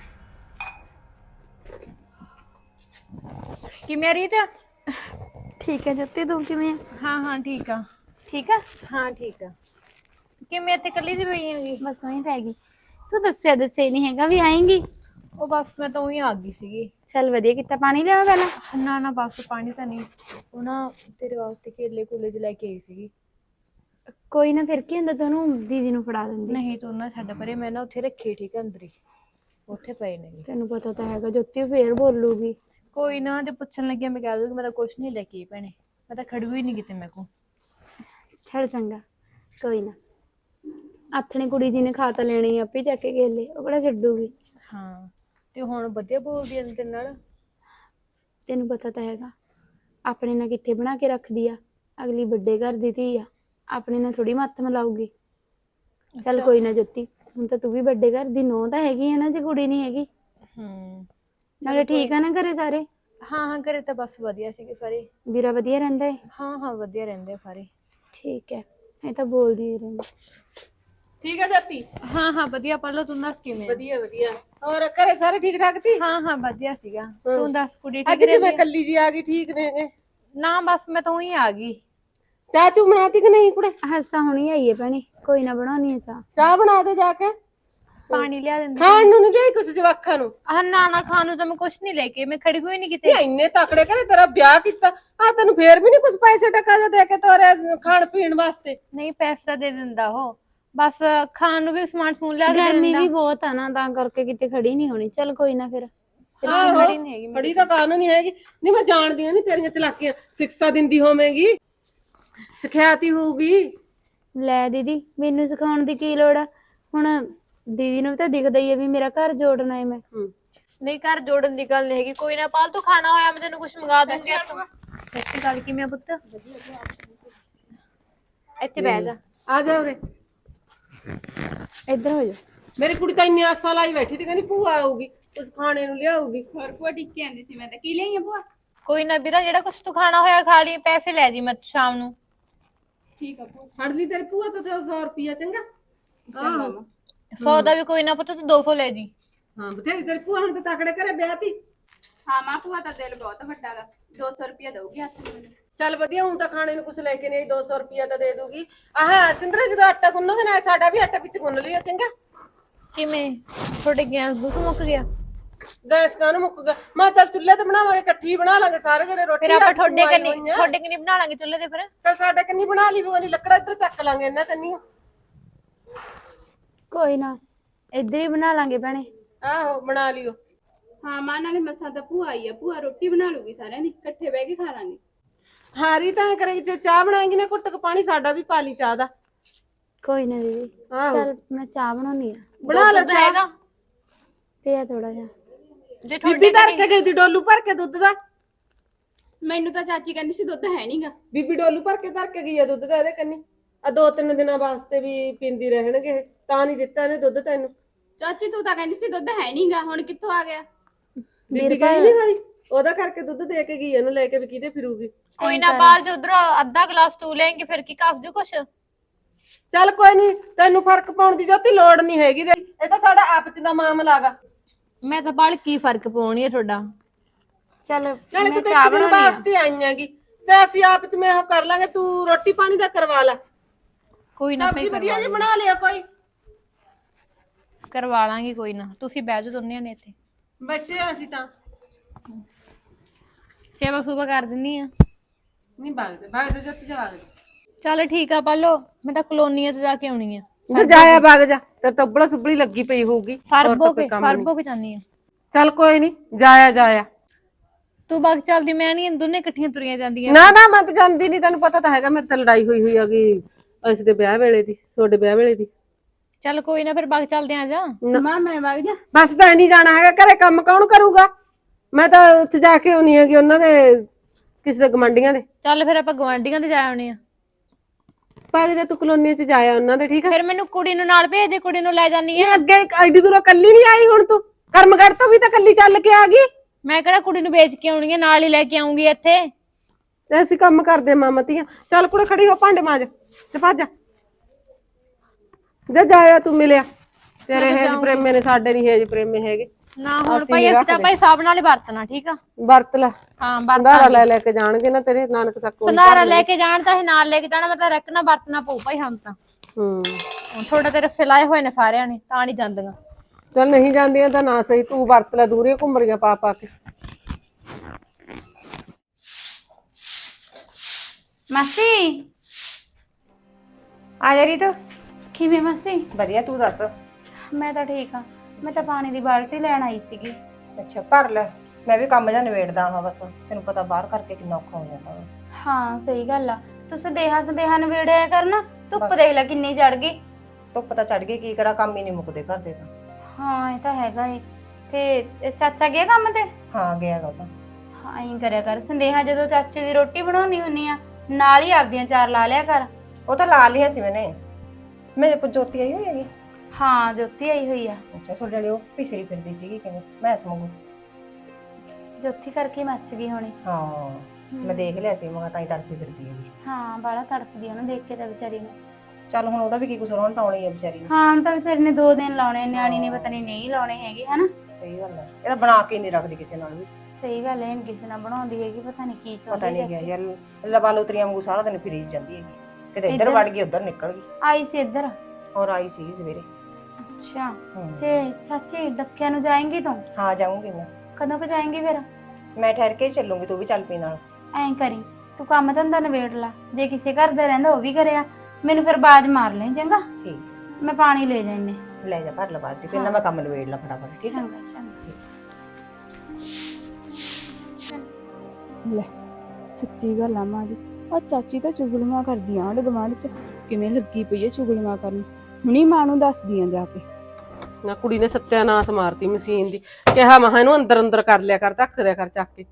[SPEAKER 3] ਕਿ ਮੇਰੀ ਤਾਂ
[SPEAKER 2] ਠੀਕ ਹੈ ਜੋਤੀ, ਤੂੰ ਕਿਵੇਂ ਆ?
[SPEAKER 4] ਹਾਂ ਹਾਂ ਠੀਕ ਆ।
[SPEAKER 2] ਠੀਕ ਆ।
[SPEAKER 4] ਹਾਂ ਠੀਕ ਆ। ਕਿਵੇਂ ਇੱਥੇ ਇਕੱਲੀ ਜਿਹੀ ਪਈ ਹੈਗੀ?
[SPEAKER 2] ਬਸ ਵਹੀਂ ਪੈ ਗਈ। ਤੂੰ ਦੱਸਿਆ ਨਹੀਂ ਹੈਗਾ ਵੀ ਆਏਂਗੀ।
[SPEAKER 4] ਉਹ ਬਸ ਮੈਂ ਤਾਂ ਉਹੀ ਆ ਗਈ ਸੀਗੀ।
[SPEAKER 2] ਚੱਲ ਵਧੀਆ ਕੀਤਾ। ਪਾਣੀ ਲਿਆਵਾ ਪਹਿਲਾਂ।
[SPEAKER 4] ਨਾ ਨਾ ਬਸ ਪਾਣੀ ਤਾਂ ਨਹੀਂ, ਉਹ ਨਾ ਤੇਰੇ ਵਾਸਤੇ ਕੇਲੇ ਕੂਲੇ ਚ ਲੈ ਕੇ ਆਈ ਸੀਗੀ।
[SPEAKER 2] ਕੋਈ ਨਾ, ਫਿਰ ਕੀ ਹੁੰਦਾ, ਤੈਨੂੰ ਦੀਦੀ ਨੂੰ ਫੜਾ ਦਿੰਦੀ।
[SPEAKER 4] ਨਹੀਂ ਤੂੰ ਨਾ ਛੱਡ ਪਰੇ, ਮੈਂ ਨਾ ਉੱਥੇ ਰੱਖੀ ਠੀਕ ਆ ਅੰਦਰ ਹੀ, ਉੱਥੇ ਪਏ ਨੇ।
[SPEAKER 2] ਤੈਨੂੰ ਪਤਾ ਤਾਂ ਹੈਗਾ ਜੋਤੀ ਫੇਰ ਬੋਲੂਗੀ।
[SPEAKER 4] ਕੋਈ ਨਾ, ਜੇ ਪੁੱਛਣ ਲੱਗਿਆ ਮੈਂ ਕਹਿ ਦੂੰਗੀ ਮੈਂ ਤਾਂ ਕੁਛ ਨਹੀਂ ਲੈ ਕੇ ਆਈ ਭੈਣੇ, ਮੈਂ ਤਾਂ ਖੜੀ ਹੋਈ ਨਹੀਂ ਕਿਤੇ ਮੇਰੇ ਕੋਲ।
[SPEAKER 2] ਚੱਲ ਚੰਗਾ, ਕੋਈ ਨਾ। ਆਥਣੀ ਕੁੜੀ ਜੀ ਨੇ ਖਾ ਤਾਂ ਲੈਣੀ ਆ, ਆਪੇ ਚੱਕ ਕੇ ਕੇਲੇ, ਉਹ ਕਿਹੜਾ ਛੱਡੂਗੀ।
[SPEAKER 4] ਹਾਂ ਤੇ ਹੁਣ ਵਧੀਆ ਬੋਲਦੀ ਐ ਤੇਰੇ ਨਾਲ।
[SPEAKER 2] ਤੈਨੂੰ ਪਤਾ ਤਾਂ ਹੈਗਾ ਆਪਣੇ ਨਾਲ ਕਿੱਥੇ ਬਣਾ ਕੇ ਰੱਖਦੀ ਆ, ਅਗਲੀ ਵੱਡੇ ਘਰ ਦੀ ਧੀ ਆ, ਆਪਣੇ ਨਾਲ ਥੋੜੀ ਮੱਤ ਮਲਾਊਗੀ। ਚੱਲ ਕੋਈ ਨਾ ਜੋਤੀ, ਹੁਣ ਤਾਂ ਤੂੰ ਵੀ ਵੱਡੇ ਘਰ ਦੀ ਨੂੰਹ ਤਾਂ ਹੈਗੀ ਆ ਨਾ, ਜੇ ਕੁੜੀ ਨਹੀਂ ਹੈਗੀ। ਨਾਲੇ ਠੀਕ ਆ ਨਾ ਘਰੇ ਸਾਰੇ?
[SPEAKER 4] ਹਾਂ ਹਾਂ ਘਰੇ ਤਾਂ ਬਸ ਵਧੀਆ ਸੀਗੇ ਸਾਰੇ।
[SPEAKER 2] ਵੀਰਾ ਵਧੀਆ ਰਹਿੰਦਾ ਏ?
[SPEAKER 4] ਹਾਂ ਹਾਂ ਵਧੀਆ ਰਹਿੰਦੇ ਆ ਸਾਰੇ।
[SPEAKER 2] ਠੀਕ ਹੈ, ਇਹ ਤਾਂ ਬੋਲਦੀ ਹੀ ਰਹਿੰਦੀ।
[SPEAKER 1] ਠੀਕ ਹੈ ਜਾਤੀ?
[SPEAKER 4] ਹਾਂ ਹਾਂ ਵਧੀਆ। ਪਾਲੋ ਤੂੰ ਦੱਸ ਕਿਵੇਂ?
[SPEAKER 1] ਵਧੀਆ ਵਧੀਆ। ਹੋਰ ਘਰੇ ਸਾਰੇ ਠੀਕ ਠਾਕ ਸੀ?
[SPEAKER 4] ਹਾਂ ਹਾਂ ਵਧੀਆ ਸੀਗਾ। ਤੂੰ ਦੱਸ ਕੁੜੀ
[SPEAKER 1] ਅੱਜ
[SPEAKER 4] ਠੀਕ
[SPEAKER 1] ਤੇ ਮੈਂ
[SPEAKER 4] ਰਹਿੰਦੀ?
[SPEAKER 1] ਕੱਲੀ ਜੀ ਆ ਗਈ, ਠੀਕ ਨੇਗੇ?
[SPEAKER 4] ਨਾ ਬਸ ਮੈਂ ਤਾਂ ਉਹੀ ਆ ਗਈ।
[SPEAKER 1] ਚਾਹ ਚੂ ਬਣਾਤੀ ਕਿ ਨਹੀਂ ਕੁੜੇ?
[SPEAKER 2] ਹੱਸਾ ਹੁਣੀ ਆਈਏ ਭੈਣੇ, ਕੋਈ ਨਾ ਬਣਾਉਣੀ ਆ ਚਾਹ।
[SPEAKER 1] ਚਾਹ ਬਣਾ ਦੇ ਜਾ ਕੇ।
[SPEAKER 4] ਪਾਣੀ ਲਿਆ ਦਿੰਦੀ।
[SPEAKER 1] ਖਾਣ ਨੂੰ ਨਹੀਂ ਲਿਆਈ ਕੁਛ ਜਵਾਖਾਂ ਨੂੰ?
[SPEAKER 4] ਨਾ ਨਾ ਖਾਣ ਨੂੰ ਤਾਂ ਮੈਂ ਕੁਛ ਨਹੀਂ ਲੈ ਕੇ, ਮੈਂ ਖੜੀ ਹੋਈ ਨਹੀਂ ਕਿਤੇ।
[SPEAKER 1] ਇਹ ਇੰਨੇ ਤਕੜੇ ਘਰੇ ਤੇਰਾ ਵਿਆਹ ਕੀਤਾ, ਆ ਤੈਨੂੰ ਫੇਰ ਵੀ ਨਹੀਂ ਕੁਛ ਪੈਸੇ ਟਕਾ ਜਾ ਦੇ ਕੇ ਤੋਰਿਆ ਖਾਣ ਪੀਣ ਵਾਸਤੇ?
[SPEAKER 4] ਨਹੀਂ ਪੈਸਾ ਦੇ ਦਿੰਦਾ ਉਹ, ਬਸ ਖਾਣ ਨੂੰ ਵੀ ਸਮਾਨ ਸਮੂਨ ਲਿਆ ਕੇ ਦੇ
[SPEAKER 2] ਗਰਮੀ
[SPEAKER 4] ਦਿੰਦਾ।
[SPEAKER 2] ਵੀ ਬਹੁਤ ਆ ਨਾ, ਤਾਂ ਕਰਕੇ ਕਿਤੇ ਖੜੀ ਨਹੀਂ ਹੋਣੀ। ਚੱਲ ਕੋਈ ਨਾ ਫਿਰ।
[SPEAKER 1] ਆਹੋ
[SPEAKER 4] ਖੜੀ ਨਹੀਂ ਹੈਗੀ।
[SPEAKER 1] ਬੜੀ ਤਾਂ ਕਾਨੂੰਨ ਨਹੀਂ ਹੈਗੀ। ਨਹੀਂ ਮੈਂ ਜਾਣਦੀ ਆ, ਨਹੀਂ ਤੇਰੀਆਂ ਚਲਾਕੀਆਂ ਸਿੱਖਿਆ ਦਿੰਦੀ ਹੋਵੇਂਗੀ, ਸਿਖਿਆਤੀ ਹੋਊਗੀ।
[SPEAKER 2] ਲੈ ਦੀਦੀ, ਮੈਨੂੰ ਸਿਖਾਉਣ ਦੀ ਕੀ ਲੋੜ ਆ? ਹੁਣ ਦੀਦੀ ਨੂੰ ਵੀ ਤਾਂ ਦਿਖਦਾ ਹੀ ਆ ਵੀ ਮੇਰਾ ਘਰ ਜੋੜਨਾ ਹੈ ਮੈਂ।
[SPEAKER 4] ਨਹੀਂ ਘਰ ਜੋੜਨ ਦੀ ਗੱਲ ਨਹੀਂ ਹੈਗੀ। ਕੋਈ ਨਾ ਪਾਲ, ਤੂੰ ਖਾਣਾ ਹੋਇਆ ਮੈਂ ਤੈਨੂੰ ਕੁਝ ਮੰਗਾ ਦੂੰਗੀ ਇੱਥੋਂ। ਸਤਿ ਸ਼੍ਰੀ ਅਕਾਲ। ਕਿਵੇਂ ਆ ਪੁੱਤ? ਇੱਥੇ ਬਹਿ ਜਾ।
[SPEAKER 1] ਆ ਜਾ ਉਰੇ।
[SPEAKER 2] ਇੱਧਰ ਹੋ ਜਾ।
[SPEAKER 1] ਮੇਰੀ ਕੁੜੀ ਤਾਂ ਇੰਨੀ ਆਸਾਂ ਲਾਈ ਬੈਠੀ ਤੇ ਕਹਿੰਦੀ ਭੂਆ ਆਊਗੀ, ਕੁਛ ਖਾਣੇ ਨੂੰ ਲਿਆਊਗੀ।
[SPEAKER 5] ਹੋਰ ਭੂਆ ਟਿੱਕੇ ਆਂਦੀ ਸੀ, ਮੈਂ ਤਾਂ ਕੀ ਲਈ ਆ ਭੂਆ?
[SPEAKER 4] ਕੋਈ ਨਾ ਵੀਰਾ, ਜਿਹੜਾ ਕੁਝ ਤੂੰ ਖਾਣਾ ਹੋਇਆ ਖਾ ਲਈ, ਪੈਸੇ ਲੈ ਜੀ ਮੈਂ ਸ਼ਾਮ ਨੂੰ।
[SPEAKER 5] ਠੀਕ ਆ ਭੂਆ।
[SPEAKER 1] ਫੜ ਲਈ ਤੇਰੀ ਭੂਆ ਤੋਂ 100 ਰੁਪਿਆ, ਚੰਗਾ?
[SPEAKER 5] ਚੰਗਾ ਵਾ।
[SPEAKER 4] 100 ਦਾ ਵੀ ਕੋਈ ਨਾ ਪੁੱਤ, ਤੂੰ 200 ਲੈ ਜੀ।
[SPEAKER 1] ਹਾਂ ਬਥੇਰੀ ਤੇਰੀ ਭੂਆ ਹੁਣ ਤੇ ਤਕੜੇ ਘਰੇ ਵਿਆਹ ਤੀ।
[SPEAKER 5] ਹਾਂ ਮਾਂ, ਭੂਆ ਦਾ ਦਿਲ ਬਹੁਤ ਵੱਡਾ ਗਾ, 200 ਰੁਪਇਆ ਦਊਗੀ ਹੱਥ ਨੂੰ ਮੈਨੂੰ।
[SPEAKER 1] ਚੱਲ ਵਧੀਆ, ਹੁਣ ਤਾਂ ਖਾਣੇ ਨੂੰ ਕੁਛ ਲੈ ਕੇ ਨਹੀਂ, 200 ਰੁਪਿਆ ਤਾਂ ਦੇ ਦੂਗੀ। ਆਹ ਸਿੰਦਰਾ, ਜਦੋਂ ਆਟਾ ਗੁੰਨੋਗੇ ਨਾਲ ਸਾਡਾ ਵੀ ਆਟਾ ਵਿੱਚ ਗੁੰਨ ਲਿਓ, ਚੰਗਾ?
[SPEAKER 4] ਕਿਵੇਂ ਤੁਹਾਡੇ ਗੈਸ ਦੁੱਧ ਮੁੱਕ ਗਿਆ?
[SPEAKER 1] ਗੈਸ ਕਾਹਨੂੰ ਮੁੱਕ ਗਿਆ? ਮੈਂ ਚੱਲ ਚੁੱਲ੍ਹੇ ਤੇ ਬਣਾਵਾਂਗੇ, ਇਕੱਠੀ ਬਣਾ ਲਾਂਗੇ ਸਾਰੇ ਜਿਹੜੇ ਰੋਟੀ।
[SPEAKER 4] ਫਿਰ ਆਪਾਂ
[SPEAKER 1] ਅੱਜ
[SPEAKER 4] ਤੁਹਾਡੇ
[SPEAKER 1] ਖਵਾਈ
[SPEAKER 4] ਕੰਨੀ
[SPEAKER 1] ਹੋਈ ਆ।
[SPEAKER 4] ਤੁਹਾਡੇ ਕੰਨੀ ਬਣਾ ਲਾਂਗੇ ਚੁੱਲ੍ਹੇ ਤੇ ਫਿਰ।
[SPEAKER 1] ਚੱਲ ਸਾਡੇ ਕੰਨੀ ਬਣਾ ਲਈ, ਵੀ ਲੱਕੜਾ ਇੱਧਰ ਚੱਕ ਲਾਂਗੇ ਇਹਨਾਂ ਕੰਨੀ।
[SPEAKER 2] ਕੋਈ ਨਾ, ਇੱਧਰ ਹੀ ਬਣਾ ਲਾਂਗੇ ਭੈਣੇ।
[SPEAKER 1] ਆਹੋ ਬਣਾ ਲਿਓ।
[SPEAKER 5] ਹਾਂ ਮਾਂ, ਨਾਲੇ ਮਸਾਂ ਤਾਂ ਭੂਆ ਆਈ ਆ, ਭੂਆ ਰੋਟੀ ਬਣਾ ਲੂਗੀ ਸਾਰਿਆਂ ਦੀ, ਇਕੱਠੇ ਬਹਿ ਕੇ ਖਾ ਲਾਂਗੇ।
[SPEAKER 1] ਹਾਰੀ ਤਾਂ ਕਰੇਗੀ, ਜੇ ਚਾਹ ਬਣਾਏਗੀ ਨਾ ਘੁੱਟ ਕੇ ਪਾਣੀ ਸਾਡਾ ਵੀ ਪਾ ਲਈ ਚਾਹ ਦਾ।
[SPEAKER 2] ਕੋਈ ਨਾ ਦੀਦੀ,
[SPEAKER 1] ਆਹੋ।
[SPEAKER 2] ਚੱਲ ਮੈਂ ਚਾਹ ਬਣਾਉਣੀ ਆ।
[SPEAKER 1] ਬਣਾ ਲੈ
[SPEAKER 4] ਦੁੱਧ ਹੈਗਾ
[SPEAKER 2] ਤੇ ਆ ਥੋੜਾ ਜਿਹਾ।
[SPEAKER 4] ਜੇ
[SPEAKER 1] ਬੀਬੀ ਧਰ ਕੇ ਗਈ ਤੀ ਡੋਲੂ ਭਰ ਕੇ ਦੁੱਧ ਦਾ।
[SPEAKER 5] ਮੈਨੂੰ ਤਾਂ ਚਾਚੀ ਕਹਿੰਦੀ ਸੀ ਦੁੱਧ ਹੈ ਨਹੀਂਗਾ।
[SPEAKER 1] ਬੀਬੀ ਡੋਲੂ ਭਰ ਕੇ ਧਰ ਕੇ ਗਈ ਆ ਦੁੱਧ ਦਾ ਇਹਦੇ ਕੰਨੀ। ਆ 2-3 ਦਿਨਾਂ ਵਾਸਤੇ ਵੀ ਪੀਂਦੀ ਰਹਿਣਗੇ ਇਹ, ਤਾਂ ਨਹੀਂ ਦਿੱਤਾ ਇਹਨੇ ਦੁੱਧ ਤੈਨੂੰ।
[SPEAKER 5] ਚਾਚੀ ਤੂੰ ਤਾਂ ਕਹਿੰਦੀ ਸੀ ਦੁੱਧ ਹੈ ਨਹੀਂਗਾ, ਹੁਣ ਕਿੱਥੋਂ ਆ ਗਿਆ?
[SPEAKER 1] ਬੀਬੀ ਗਈ ਨਹੀਂ ਹੋਈ, ਉਹਦਾ ਕਰਕੇ ਦੁੱਧ ਦੇ ਕੇ ਗਈ ਇਹਨੂੰ, ਲੈ ਕੇ ਵੀ ਕਿਹਦੇ ਫਿਰੂਗੀ।
[SPEAKER 4] ਕੋਈ ਨਾ ਬਾਲ, ਜੇ ਉਧਰੋਂ ਅੱਧਾ ਗਲਾਸ ਤੂੰ ਲੈਂਗੇ ਫਿਰ ਕੀ ਕੱਸ ਦਿਓ ਕੁਛ।
[SPEAKER 1] ਚੱਲ ਕੋਈ ਨਹੀਂ, ਤੈਨੂੰ ਫਰਕ ਪਾਉਣ ਦੀ ਜੋਤੀ ਲੋੜ ਨਹੀਂ ਹੈਗੀ, ਇਹ ਤਾਂ ਸਾਡਾ ਆਪਸ ਦਾ ਮਾਮਲਾ ਗਾ।
[SPEAKER 4] ਮੈਂ ਤਾਂ ਬਾਲ ਕੀ ਫਰਕ ਪਾਉਣੀ ਹੈ ਤੁਹਾਡਾ?
[SPEAKER 2] ਚੱਲ
[SPEAKER 1] ਨਾਲੇ
[SPEAKER 2] ਮੈਂ
[SPEAKER 1] ਤੂੰ
[SPEAKER 2] ਚਾਹ
[SPEAKER 1] ਇੱਕ ਦਿਨ
[SPEAKER 2] ਬਣਾਉਣੀ ਆ।
[SPEAKER 1] ਵਾਸਤੇ ਆਈਆਂਗੀ ਤੇ ਅਸੀਂ ਆਪ ਚ ਮੈਂ ਉਹ ਕਰ ਲਾਂਗੇ, ਤੂੰ ਰੋਟੀ ਪਾਣੀ ਦਾ ਕਰਵਾ ਲੈ।
[SPEAKER 4] ਕੋਈ ਨਾ
[SPEAKER 1] ਸਬਜ਼ੀ ਵਧੀਆ ਜਿਹੀ ਬਣਾ ਲਿਆ ਕੋਈ।
[SPEAKER 4] ਕਰਵਾ ਲਾਂਗੇ, ਕੋਈ ਨਾ। ਤੁਸੀਂ ਬਹਿ ਜਾਓ ਦੋਨਿਆਂ ਨੇ ਇੱਥੇ।
[SPEAKER 1] ਬੈਠੇ ਆ ਅਸੀਂ ਤਾਂ।
[SPEAKER 4] ਸੇਵਾ ਸੁਭਾ ਕਰ ਦਿੰਨੀ ਆ।
[SPEAKER 1] ਨਹੀਂ ਬਾਗ ਦੇ ਜੱਤ ਜਾ।
[SPEAKER 4] ਚੱਲ ਠੀਕ ਆ ਪਾਲੋ, ਮੈਂ ਤਾਂ ਕਲੋਨੀਆਂ 'ਚ ਜਾ ਕੇ ਆਉਣੀ ਆ।
[SPEAKER 1] ਉਹ ਜਾਇਆ ਬਾਗ ਜਾ, ਤੇ ਤੱਬੜਾ ਸੁਬੜੀ ਲੱਗੀ ਪਈ ਹੋਊਗੀ।
[SPEAKER 4] ਸਰਬੋ ਕੇ ਜਾਨੀ ਆ।
[SPEAKER 1] ਚੱਲ ਕੋਈ ਨਹੀਂ, ਜਾਇਆ।
[SPEAKER 4] ਤੂੰ ਬਾਗ ਚੱਲਦੀ, ਮੈਂ ਨਹੀਂ, ਦੋਨੇ ਇਕੱਠੀਆਂ ਤੁਰੀਆਂ ਜਾਂਦੀਆਂ।
[SPEAKER 1] ਨਾ ਮੈਂ ਤਾਂ ਜਾਂਦੀ ਨਹੀਂ, ਤੈਨੂੰ ਪਤਾ ਤਾਂ ਹੈਗਾ ਮੇਰੇ ਤਾਂ ਲੜਾਈ ਹੋਈ ਹੈਗੀ ਇਸ ਦੇ ਵਿਆਹ ਵੇਲੇ ਦੀ, ਤੁਹਾਡੇ ਵਿਆਹ ਵੇਲੇ ਦੀ।
[SPEAKER 4] ਚੱਲ ਕੋਈ ਨਾ, ਫਿਰ ਬਾਗ ਚੱਲਦੇ ਆ ਜਾ।
[SPEAKER 5] ਮਾਂ ਮੈਂ ਵਗ ਜਾ।
[SPEAKER 1] ਬਸ ਤਾਂ ਨਹੀਂ ਜਾਣਾ ਹੈਗਾ, ਘਰੇ ਕੰਮ ਕੌਣ ਕਰੂਗਾ? ਮੈਂ ਤਾਂ ਉੱਥੇ ਜਾ ਕੇ ਆਉਣੀ ਹੈਗੀ ਉਹਨਾਂ ਦੇ, ਕਿਸੇ ਦੇ ਗਵਾਂਢੀਆਂ ਦੇ।
[SPEAKER 4] ਚੱਲ ਫਿਰ ਆਪਾਂ ਗਵਾਂਢੀਆਂ ਦੇ ਜਾ ਆਉਣੇ ਆ।
[SPEAKER 1] ਭਾਗ ਜੇ ਤੂੰ ਕਲੋਨੀ ਚ ਜਾਇਆ ਉਹਨਾਂ ਦੇ, ਠੀਕ ਆ?
[SPEAKER 4] ਫਿਰ ਮੈਨੂੰ ਕੁੜੀ ਨੂੰ ਨਾਲ ਭੇਜ ਦੇ, ਕੁੜੀ ਨੂੰ ਲੈ ਜਾਨੀ ਆ।
[SPEAKER 1] ਇਹ ਅੱਗੇ ਐਡੀ ਦੂਰੋਂ ਕੱਲੀ ਨਹੀਂ ਆਈ, ਹੁਣ ਤੂੰ ਕਰਮਗੜ ਤੋਂ ਵੀ ਤਾਂ ਕੱਲੀ ਚੱਲ ਕੇ ਆ ਗਈ।
[SPEAKER 4] ਮੈਂ ਕਿਹੜਾ ਕੁੜੀ ਨੂੰ ਵੇਚ ਕੇ ਆਉਣੀ ਆ, ਨਾਲ ਹੀ ਲੈ ਕੇ ਆਉਂਗੀ ਇੱਥੇ।
[SPEAKER 1] ਤੇ ਅਸੀਂ ਕੰਮ ਕਰਦੇ ਮਾਮਤੀਆਂ। ਚੱਲ ਕੁੜੇ ਖੜੀ ਹੋ, ਭਾਂਡੇ ਮਾਂਜ ਤੇ ਭੱਜ ਜਾ। ਜਾਇਆ ਤੂੰ ਮਿਲਿਆ, ਤੇਰੇ ਹੇਜ ਪ੍ਰੇਮੇ ਨੇ, ਸਾਡੇ ਨਹੀਂ ਹੇਜ ਪ੍ਰੇਮੇ ਹੈਗੇ।
[SPEAKER 6] ਨਾ ਹੁਣ ਭਾਈ ਅਸੀਂ ਤਾਂ ਭਾਈ ਸਭ ਨਾਲ ਹੀ ਵਰਤਣਾ ਠੀਕ ਆ।
[SPEAKER 1] ਵਰਤ ਲੈ,
[SPEAKER 6] ਹਾਂ
[SPEAKER 1] ਸੰਧਾਰਾ
[SPEAKER 6] ਵਰਤਾਂਗੇ।
[SPEAKER 1] ਲੈ ਕੇ ਜਾਣਗੇ ਨਾ ਤੇਰੇ ਨਾਨਕ ਸੱਕੋ
[SPEAKER 6] ਸੰਧਾਰਾ ਲੈ ਕੇ ਜਾਣ ਤਾਂ ਅਸੀਂ ਨਾਲ ਲੈ ਕੇ ਜਾਣਾ, ਮਤਲਬ ਰੱਖਣਾ ਵਰਤਣਾ ਪਊ ਭਾਈ ਹੁਣ ਤਾਂ।
[SPEAKER 1] ਹੂੰ
[SPEAKER 6] ਹੁਣ ਥੋੜੇ ਤੇ ਰੱਸੇ ਲਾਏ ਹੋਏ ਨੇ ਸਾਰਿਆਂ ਨੇ ਤਾਂ ਨਹੀਂ ਜਾਂਦੀਆਂ।
[SPEAKER 1] ਚੱਲ ਨਹੀਂ ਜਾਂਦੀਆਂ ਤਾਂ ਨਾ ਸਹੀ, ਤੂੰ ਵਰਤ ਲੈ, ਦੂਰੇ ਘੁੰਮ ਰਹੀਆਂ ਪਾ ਪਾ ਕੇ।
[SPEAKER 6] ਮਾਸੀ
[SPEAKER 7] ਆ ਜਾ ਰੀਤ।
[SPEAKER 2] ਕਿਵੇਂ ਮਾਸੀ?
[SPEAKER 7] ਵਧੀਆ, ਤੂੰ ਦੱਸ।
[SPEAKER 2] ਮੈਂ ਤਾਂ ਠੀਕ ਆ। ਮੈਂ ਤਾਂ ਪਾਣੀ ਦੀ ਬਾਲਟੀ ਲੈਣ ਆਈ ਸੀਗੀ।
[SPEAKER 7] ਅੱਛਾ ਭਰ ਲੈ, ਮੈਂ ਵੀ ਕੰਮ ਜਾਂ ਨਿਬੇੜਦਾ ਹਾਂ ਬਸ। ਤੈਨੂੰ ਪਤਾ ਬਾਹਰ ਕਰਕੇ ਕਿੰਨਾ ਔਖਾ ਹੋ ਜਾਂਦਾ ਵਾ।
[SPEAKER 2] ਹਾਂ ਸਹੀ ਗੱਲ ਆ। ਤੁਸੀਂ ਦੇਹਾ ਸੰਦੇਹਾ ਨਵੇੜਿਆ ਕਰਨਾ। ਧੁੱਪ ਦੇਖ ਲੈ ਕਿੰਨੀ ਚੜ ਗਈ।
[SPEAKER 7] ਧੁੱਪ ਤਾਂ ਚੜ ਗਈ, ਕੀ ਕਰਾਂ, ਕੰਮ ਹੀ ਨਹੀਂ ਮੁੱਕਦੇ ਘਰ ਦੇ ਤਾਂ।
[SPEAKER 2] ਹਾਂ ਇਹ ਤਾਂ ਹੈਗਾ ਏ। ਤੇ ਚਾਚਾ ਗਿਆ ਕੰਮ ਤੇ?
[SPEAKER 7] ਹਾਂ ਗਿਆ ਗਾ ਉਹ ਤਾਂ।
[SPEAKER 2] ਹਾਂ ਐਂ ਕਰਿਆ ਕਰ, ਸੰਦੇਹਾ ਜਦੋਂ ਚਾਚੇ ਦੀ ਰੋਟੀ ਬਣਾਉਣੀ ਹੁੰਨੀ ਆ ਨਾਲ ਹੀ ਆਪਦੀਆਂ ਚਾਰ ਲਾ ਲਿਆ ਕਰ।
[SPEAKER 7] ਉਹ ਤਾਂ ਲਾ ਲਿਆ ਸੀ ਮੈਨੇ। ਮੇਰੇ ਕੋਲ ਜੋਤੀ ਆਈ ਹੋਈ ਹੈਗੀ।
[SPEAKER 2] ਹਾਂ ਜੋਤੀ ਆਈ ਹੋਈ ਆ।
[SPEAKER 7] ਅੱਛਾ ਤੁਹਾਡੇ ਵਾਲੀ ਉਹ ਪਿਛਲੀ ਫਿਰਦੀ ਸੀਗੀ ਕਿਵੇਂ, ਮੈਂ ਸਮਝੂ।
[SPEAKER 2] ਜੋਤੀ ਕਰਕੇ ਮੱਚ ਗਈ ਹੋਣੀ।
[SPEAKER 7] ਹਾਂ ਮੈਂ ਦੇਖ ਲਿਆ ਸੀ, ਮੈਂ ਤਾਂ ਹੀ ਤੜਫੀ ਫਿਰਦੀ ਹੈਗੀ।
[SPEAKER 2] ਹਾਂ ਬਾਹਲਾ ਤੜਫਦੀ ਉਹਨੂੰ ਦੇਖ ਕੇ ਤਾਂ ਵਿਚਾਰੀ ਨੂੰ।
[SPEAKER 7] ਚੱਲ ਹੁਣ ਉਹਦਾ ਵੀ ਕੀ ਕੁਸਰ, ਹੁਣ ਤਾਂ ਆਉਣੀ ਹੈ ਵਿਚਾਰੀ ਨੂੰ।
[SPEAKER 2] ਹਾਂ ਹੁਣ ਤਾਂ ਵਿਚਾਰੀ ਨੇ 2 ਦਿਨ ਲਾਉਣੇ, ਨਿਆਣੀ ਨੇ ਪਤਾ ਨਹੀਂ ਲਾਉਣੇ ਹੈਗੇ ਹਨਾ।
[SPEAKER 7] ਸਹੀ ਗੱਲ ਹੈ, ਇਹ ਤਾਂ ਬਣਾ ਕੇ ਨਹੀਂ ਰੱਖਦੀ ਕਿਸੇ ਨਾਲ ਵੀ।
[SPEAKER 2] ਸਹੀ ਗੱਲ ਹੈ, ਕਿਸੇ ਨਾਲ ਬਣਾਉਂਦੀ ਹੈਗੀ, ਪਤਾ ਨਹੀਂ ਕੀ
[SPEAKER 7] ਪਤਾ
[SPEAKER 2] ਚਾਹੁੰਦੀ
[SPEAKER 7] ਨਹੀਂ ਗਿਆ ਯਾਰ, ਲਬਾਲੋ ਤਰੀਆਂ ਵਾਂਗੂ ਸਾਰਾ ਦਿਨ ਫਿਰੀ ਜਾਂਦੀ ਹੈਗੀ। ਕਿਤੇ ਇੱਧਰ
[SPEAKER 2] ਇੱਧਰ?
[SPEAKER 7] ਵੜ ਗਈ, ਉੱਧਰ ਨਿਕਲ ਗਈ।
[SPEAKER 2] ਆਈ ਸੀ ਇੱਧਰ।
[SPEAKER 7] ਔਰ ਆਈ ਸੀ ਸਵੇਰੇ।
[SPEAKER 2] ਅੱਛਾ
[SPEAKER 7] ਹੂੰ।
[SPEAKER 2] ਤੇ ਚਾਚੀ ਡੱਕਿਆਂ ਨੂੰ ਜਾਏਂਗੀ ਤੂੰ?
[SPEAKER 7] ਹਾਂ ਜਾਊਂਗੀ ਮੈਂ।
[SPEAKER 2] ਕਦੋਂ ਕੁ ਜਾਏਂਗੀ ਫਿਰ?
[SPEAKER 7] ਮੈਂ ਠਹਿਰ ਕੇ ਹੀ ਚੱਲੂੰਗੀ, ਤੂੰ ਵੀ ਚੱਲ ਪੀ ਨਾਲ।
[SPEAKER 2] ਐਂ ਕਰੀ ਤੂੰ ਕੰਮ ਧੰਦਾ ਨਿਬੇੜ ਲਾ, ਜੇ ਕਿਸੇ ਘਰ ਦਾ ਰਹਿੰਦਾ ਉਹ ਵੀ ਕਰਿਆ, ਮੈਨੂੰ ਫਿਰ ਬਾਜ ਮਾਰ ਲੈ ਚੰਗਾ।
[SPEAKER 7] ਠੀਕ,
[SPEAKER 2] ਮੈਂ ਪਾਣੀ ਲੈ ਜਾਈਨੇ।
[SPEAKER 7] ਲੈ ਜਾ ਭਰ ਲਾ ਬਾਲਟੀ, ਫਿਰ ਨਾ ਮੈਂ ਕੰਮ ਨਿਬੇੜ ਲਾ ਫਟਾਫਟ। ਠੀਕ ਹੈ।
[SPEAKER 2] ਚੰਗਾ ਚੰਗਾ।
[SPEAKER 4] ਲੈ ਸੱਚੀ ਗੱਲ ਆ ਮਾਂ ਦੀ, ਆ ਚਾਚੀ ਤਾਂ ਚੁਗਲੀਆਂ ਕਰਦੀ ਆਂਢ ਗੁਆਂਢ ਚ, ਕਿਵੇਂ ਲੱਗੀ ਪਈ ਐ ਚੁਗਲੀਆਂ ਕਰਨ। ਹੁਣੀ ਮਾਂ ਨੂੰ ਦੱਸਦੀਆਂ ਜਾ ਕੇ।
[SPEAKER 1] ਨਾ ਕੁੜੀ ਨੇ ਸੱਤਿਆਨਾਸ਼ ਮਾਰਤੀ ਮਸ਼ੀਨ ਦੀ। ਕਿਹਾ ਮੈਂ ਇਹਨੂੰ ਅੰਦਰ ਅੰਦਰ ਕਰ ਲਿਆ ਕਰ, ਧੱਕ ਦਿਆ ਕਰ ਚੱਕ ਕੇ।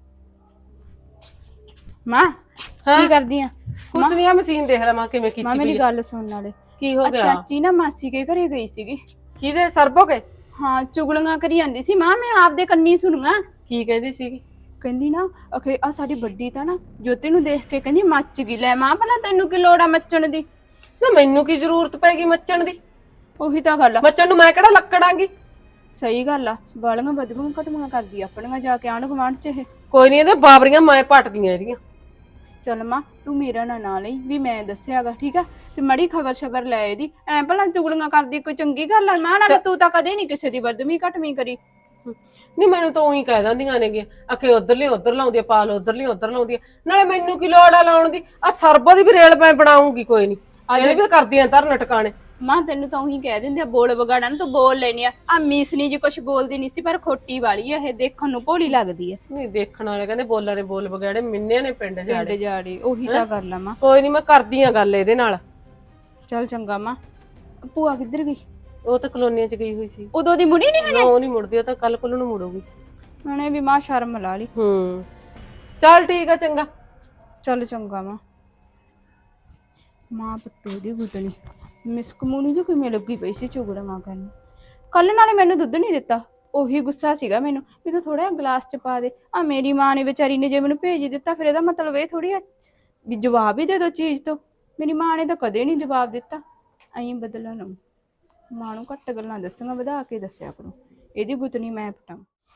[SPEAKER 4] ਮਾਂ ਕੀ ਕਰਦੀ ਆ?
[SPEAKER 1] ਕੁਛ ਨਹੀਂ, ਆ ਮਸ਼ੀਨ ਦੇਖ ਲੈ ਮਾਂ ਕਿਵੇਂ ਕੀਤੀ
[SPEAKER 4] ਮਾਂ
[SPEAKER 1] ਪਈ
[SPEAKER 4] ਮੇਰੀ
[SPEAKER 1] ਆ।
[SPEAKER 4] ਗੱਲ ਸੁਣਨ ਵਾਲੇ,
[SPEAKER 1] ਕੀ ਹੋ ਗਿਆ?
[SPEAKER 4] ਚਾਚੀ ਨਾ ਮਾਸੀ ਕੇ ਘਰੇ ਗਈ ਸੀਗੀ।
[SPEAKER 1] ਕਿਹਦੇ ਸਰਬੋ ਕੇ?
[SPEAKER 4] ਹਾਂ ਚੁਗਲੀਆਂ ਕਰੀ ਜਾਂਦੀ ਸੀ ਮਾਂ, ਮੈਂ ਆਪਦੇ ਕੰਨੀ ਸੁਣੀਆਂ।
[SPEAKER 1] ਕੀ ਕਹਿੰਦੀ ਸੀਗੀ?
[SPEAKER 4] ਕਹਿੰਦੀ ਨਾ ਅਖੇ ਆ ਸਾਡੀ ਵੱਡੀ ਤਾਂ ਨਾ ਜੋਤੀ ਨੂੰ ਦੇਖ ਕੇ ਕਹਿੰਦੀ ਮੱਚ ਗਈ। ਲੈ ਮਾਂ ਭਲਾ ਤੈਨੂੰ ਕੀ ਲੋੜ ਆ ਮੱਚਣ ਦੀ?
[SPEAKER 1] ਨਾ ਮੈਨੂੰ ਕੀ ਜ਼ਰੂਰਤ ਪੈਗੀ ਮੱਚਣ ਦੀ?
[SPEAKER 4] ਉਹੀ ਤਾਂ ਗੱਲ ਆ।
[SPEAKER 1] ਮੱਚਣ ਨੂੰ ਮੈਂ ਕਿਹੜਾ ਲੱਕੜਾਂਗੀ?
[SPEAKER 4] ਸਹੀ ਗੱਲ ਆ, ਬਾਲੀਆਂ ਬਦਬੂਆਂ ਘਟੂਆਂ ਕਰਦੀ ਆਪਣੀਆਂ ਜਾ ਕੇ ਆਂਢ ਗੁਆਂਢ ਚ ਇਹ।
[SPEAKER 1] ਕੋਈ ਨਹੀਂ, ਇਹਦੇ ਬਾਬਰੀਆਂ ਮੈਂ ਪਟਦੀਆਂ ਇਹਦੀਆਂ।
[SPEAKER 4] ਚੱਲ ਮਾਂ ਤੂੰ ਮੇਰਾ ਨਾ ਲਈ ਵੀ ਮੈਂ ਦੱਸਿਆਗਾ, ਠੀਕ ਆ? ਤੇ ਮੜੀ ਖਬਰ ਸ਼ਬਰ ਲੈ ਇਹਦੀ। ਐ ਭਲਾ ਚੁਗਲੀਆਂ ਕਰਦੀ ਕੋਈ ਚੰਗੀ ਗੱਲ ਆ ਮਾਂ? ਨਾਲ ਤੂੰ ਤਾਂ ਕਦੇ ਨਹੀਂ ਕਿਸੇ ਦੀ ਬਦਦਮੀ ਘਟਵੀਂ ਕਰੀ।
[SPEAKER 1] ਨਹੀਂ ਮੈਨੂੰ ਤਾਂ ਉਹੀ ਕਹਿ ਦਿੰਦੀਆਂ ਨੇਗੀਆਂ, ਅਖੇ ਉਧਰਲੀ ਉਧਰ ਲਾਉਂਦੀ ਆ, ਪਾਲ ਉਧਰਲੀ ਉਧਰ ਲਾਉਂਦੀ ਆ। ਨਾਲੇ ਮੈਨੂੰ ਕੀ ਲੋੜ ਆ ਲਾਉਣ ਦੀ? ਆ ਸਰਬੋ ਦੀ ਵੀ ਰੇਲ ਮੈਂ ਬਣਾਉਂਗੀ, ਕੋਈ ਨਹੀਂ ਇਹਨੇ ਵੀ ਕਰਦੀਆਂ ਧਰਨ ਟਿਕਾਣੇ।
[SPEAKER 4] ਮਾਂ ਤੈਨੂੰ ਤਾਂ ਉਹੀ ਕਹਿ ਦਿੰਦੇ ਆ ਬੋਲ ਬਗਾੜਾ ਨਾ, ਤੂੰ ਬੋਲ ਲੈਣੀ ਆ। ਆ ਮੀਸਣੀ ਜੀ ਕੁਛ ਬੋਲਦੀ ਨਹੀਂ ਸੀ, ਪਰ ਖੋਟੀ ਵਾਲੀ ਆ ਇਹ, ਦੇਖਣ ਨੂੰ ਭੋਲੀ ਲੱਗਦੀ ਆ।
[SPEAKER 1] ਨਹੀਂ ਦੇਖਣ ਵਾਲੇ ਕਹਿੰਦੇ ਬੋਲਾਂ ਨੇ ਬੋਲ ਬਗਾੜੇ, ਮਿੰਨੇ ਨੇ ਪਿੰਡ
[SPEAKER 4] ਪਿੰਡ
[SPEAKER 1] ਜਾੜੇ।
[SPEAKER 4] ਜਾੜੀ ਉਹੀ ਤਾਂ ਕਰ ਲਾ ਮਾਂ।
[SPEAKER 1] ਕੋਈ ਨਹੀਂ ਮੈਂ ਕਰਦੀ ਆ ਗੱਲ ਇਹਦੇ ਨਾਲ।
[SPEAKER 4] ਚੱਲ ਚੰਗਾ ਮਾਂ। ਭੂਆ ਕਿੱਧਰ ਗਈ?
[SPEAKER 1] ਉਹ ਤਾਂ ਕਲੋਨੀਆਂ ਚ ਗਈ ਹੋਈ ਸੀ।
[SPEAKER 4] ਉਦੋਂ ਦੀ ਮੁੜੀ ਨਹੀਂ
[SPEAKER 1] ਨਾ ਉਹ ਨਹੀਂ ਮੁੜਦੀ, ਉਹ ਤਾਂ ਕੱਲ ਕੋਲ ਨੂੰ ਮੁੜੂਗੀ।
[SPEAKER 4] ਉਹਨੇ ਵੀ ਮਾਂ ਸ਼ਰਮ ਲਾ ਲਈ।
[SPEAKER 1] ਚੱਲ ਠੀਕ ਆ, ਚੰਗਾ।
[SPEAKER 4] ਚੱਲ ਚੰਗਾ ਮਾਂ। ਮਾਂ ਪੱਟੂ ਦੀ ਗੁੱਤਣੀ ਮਿਸਕਮੂਣੀ ਜੋ ਕਿਵੇਂ ਲੱਗੀ ਪਈ ਸੀ ਚੁਗਲੀਆਂ ਕਰਨ। ਕੱਲ ਨਾਲੇ ਮੈਨੂੰ ਦੁੱਧ ਨਹੀਂ ਦਿੱਤਾ, ਉਹੀ ਗੁੱਸਾ ਸੀਗਾ ਮੈਨੂੰ ਵੀ ਤੂੰ ਥੋੜਾ ਗਲਾਸ ਚ ਪਾ ਦੇ। ਆ ਮੇਰੀ ਮਾਂ ਨੇ ਵਿਚਾਰੀ ਨੇ ਜੇ ਮੈਨੂੰ ਭੇਜ ਦਿੱਤਾ, ਫਿਰ ਇਹਦਾ ਮਤਲਬ ਇਹ ਥੋੜੀ ਆ ਵੀ ਜਵਾਬ ਹੀ ਦੇ ਦੋ ਚੀਜ਼ ਤੋਂ। ਮੇਰੀ ਮਾਂ ਨੇ ਤਾਂ ਕਦੇ ਨਹੀਂ ਜਵਾਬ ਦਿੱਤਾ। ਐਂ ਬਦਲਣ ਨੂੰ ਮਾਂ ਨੂੰ ਘੱਟ ਗੱਲਾਂ ਦੱਸਾਂਗਾ, ਵਧਾ ਕੇ ਦੱਸਿਆ ਕਰੋ। ਇਹਦੀ ਗੁੱਤਣੀ ਮੈਂ ਪਟਾਂ।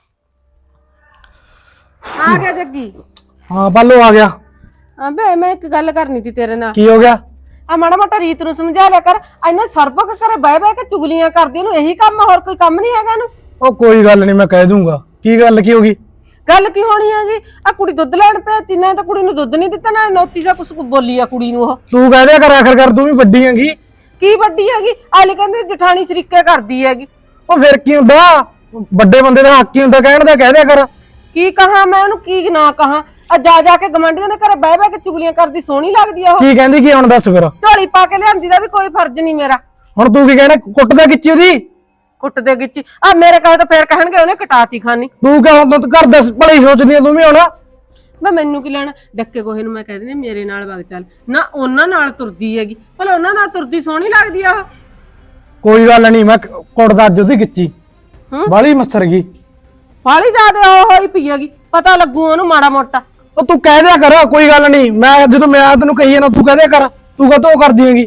[SPEAKER 1] ਆ ਗਿਆ ਜੱਗੀ?
[SPEAKER 8] ਹਾਂ ਬਾਲੋ ਆ ਗਿਆ।
[SPEAKER 1] ਹਾਂ ਬੇ, ਮੈਂ ਇੱਕ ਗੱਲ ਕਰਨੀ ਸੀ ਤੇਰੇ ਨਾਲ।
[SPEAKER 8] ਕੀ ਹੋ ਗਿਆ?
[SPEAKER 1] ਆ ਮਾੜਾ ਮੋਟਾ ਰੀਤ ਨੂੰ ਸਮਝਾ ਲਿਆ ਕਰ। ਇੰਨਾ ਸਰਬਕ ਕਰੇ ਬਹਿ ਬਹਿ ਕੇ ਚੁਗਲੀਆਂ ਕਰਦੀ, ਇਹਨੂੰ ਇਹੀ ਕੰਮ ਆ, ਹੋਰ ਕੋਈ ਕੰਮ ਨਹੀਂ ਹੈਗਾ ਇਹਨੂੰ।
[SPEAKER 8] ਉਹ ਕੋਈ ਗੱਲ ਨਹੀਂ, ਮੈਂ ਕਹਿ ਦੂੰਗਾ। ਕੀ ਗੱਲ ਕੀ ਹੋ ਗਈ?
[SPEAKER 1] ਗੱਲ ਕੀ ਹੋਣੀ ਹੈਗੀ? ਆ ਕੁੜੀ ਦੁੱਧ ਲੈਣ ਪਈ, ਨਾ ਤਾਂ ਕੁੜੀ ਨੂੰ ਦੁੱਧ ਨਹੀਂ ਦਿੱਤਾ, ਨਾ ਨੋਤੀ ਦਾ ਕੁਛ ਬੋਲੀ ਆ ਕੁੜੀ ਨੂੰ। ਉਹ
[SPEAKER 8] ਤੂੰ ਕਹਿ ਦਿਆ ਕਰ, ਆਖਰ ਕਰ ਤੂੰ ਵੀ ਵੱਡੀ ਹੈਗੀ।
[SPEAKER 1] ਕੀ ਵੱਡੀ ਹੈਗੀ? ਆਲੇ ਕਹਿੰਦੇ ਜਠਾਣੀ ਸ਼ਰੀਕੇ ਕਰਦੀ ਹੈਗੀ।
[SPEAKER 8] ਉਹ ਫਿਰ ਕੀ ਹੁੰਦਾ? ਵੱਡੇ ਬੰਦੇ ਦਾ ਹੱਕ ਹੀ ਹੁੰਦਾ ਕਹਿਣ ਦਾ, ਕਹਿ ਦਿਆ ਕਰ।
[SPEAKER 1] ਕੀ ਕਹਾਂ ਮੈਂ ਉਹਨੂੰ, ਕੀ ਨਾ ਕਹਾਂ? ਆ ਜਾ ਜਾ ਕੇ ਗਵਾਂਢੀਆਂ ਦੇ ਘਰੇ ਬਹਿ ਬਹਿ ਕੇ ਚੁਗਲੀਆਂ ਕਰਦੀ, ਸੋਹਣੀ ਲੱਗਦੀ ਆ ਉਹ।
[SPEAKER 8] ਕੀ ਕਹਿੰਦੀ? ਕੀ ਹੁਣ ਦੱਸ ਫਿਰ।
[SPEAKER 1] ਝੋਲੀ ਪਾ ਕੇ ਲਿਆਂਦੀ ਦਾ ਵੀ ਕੋਈ ਫਰਜ਼ ਨਹੀਂ ਮੇਰਾ।
[SPEAKER 8] ਹੁਣ ਤੂੰ ਕੀ ਕਹਿਣਾ? ਕੁੱਟਦਾ ਕਿੱਚੀ ਉਹਦੀ?
[SPEAKER 1] ਕੁੱਟ ਦੇ ਗਿੱਚੀ ਆ ਮੇਰੇ ਕਹੇ ਤਾਂ ਫੇਰ ਕਹਿਣਗੇ ਉਹਨੇ ਕਟਾਤੀ ਖਾਨੀ।
[SPEAKER 8] ਤੂੰ ਕਿਉਂ ਹੁਣ ਤੂੰ ਘਰ ਦਾ ਭਲਾ ਹੀ ਸੋਚਦੀ ਆ ਤੂੰ ਵੀ ਹੁਣ?
[SPEAKER 1] ਮੈਂ ਮੈਨੂੰ ਕੀ ਲੈਣਾ? ਡੱਕੇ ਕੋਹੇ ਨੂੰ ਮੈਂ ਕਹਿ ਦਿੰਦੀ ਮੇਰੇ ਨਾਲ ਵਗ ਚੱਲ, ਨਾ ਉਹਨਾਂ ਨਾਲ ਤੁਰਦੀ ਹੈਗੀ। ਭਲਾ ਉਹਨਾਂ ਨਾਲ ਤੁਰਦੀ ਸੋਹਣੀ ਲੱਗਦੀ ਆ ਉਹ।
[SPEAKER 8] ਕੋਈ ਗੱਲ ਨਹੀਂ, ਮੈਂ ਕੁੱਟਦਾ ਅੱਜ ਉਹਦੀ ਕਿੱਚੀ। ਬਾਲੀ ਮੱਛਰ ਗਈ,
[SPEAKER 1] ਬਾਲੀ ਜ਼ਿਆਦਾ ਉਹ ਹੋਈ ਪਈ ਹੈਗੀ, ਪਤਾ ਲੱਗੂ ਉਹਨੂੰ ਮਾੜਾ ਮੋਟਾ।
[SPEAKER 8] ਉਹ ਤੂੰ ਕਹਿ ਦਿਆ ਕਰ, ਕੋਈ ਗੱਲ ਨਹੀਂ। ਮੈਂ ਜਦੋਂ ਮੈਂ ਤੈਨੂੰ ਕਹੀ ਨਾ, ਤੂੰ ਕਹਿ ਦਿਆ ਕਰ। ਤੂੰ ਕਦੋਂ ਕਰਦੀ ਹੈਗੀ?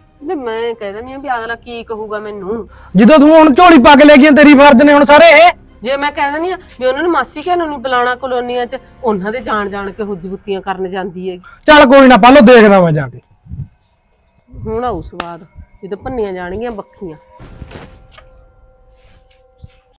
[SPEAKER 1] ਮੈਂ ਕਹਿ ਦਿੰਦੀ ਆ ਵੀ ਅਗਲਾ ਕੀ ਕਹੂਗਾ ਮੈਨੂੰ।
[SPEAKER 8] ਜਦੋਂ ਤੂੰ ਹੁਣ ਝੋਲੀ ਪਾ ਕੇ ਲੈ ਗਈ, ਤੇਰੀ ਫਰਜ਼ ਨੇ ਹੁਣ ਸਾਰੇ ਇਹ।
[SPEAKER 1] ਜੇ ਮੈਂ ਕਹਿ ਦਿੰਦੀ ਆ ਵੀ ਉਹਨਾਂ ਨੂੰ ਮਾਸੀ ਘਰ ਨੂੰ ਨਹੀਂ ਬੁਲਾਉਣਾ ਕਲੋਨੀਆਂ 'ਚ, ਉਹਨਾਂ ਦੇ ਜਾਣ ਕੇ ਹੁੱਜ-ਬੁੱਤੀਆਂ ਕਰਨ ਜਾਂਦੀ ਹੈਗੀ।
[SPEAKER 8] ਚੱਲ ਕੋਈ ਨਾ ਪਾਲੋ, ਦੇਖਦਾ ਮੈਂ ਜਾ ਕੇ।
[SPEAKER 1] ਹੁਣ ਆਊ ਸਵਾਦ ਜਦੋਂ ਭੰਨੀਆਂ ਜਾਣਗੀਆਂ ਬੱਖੀਆਂ।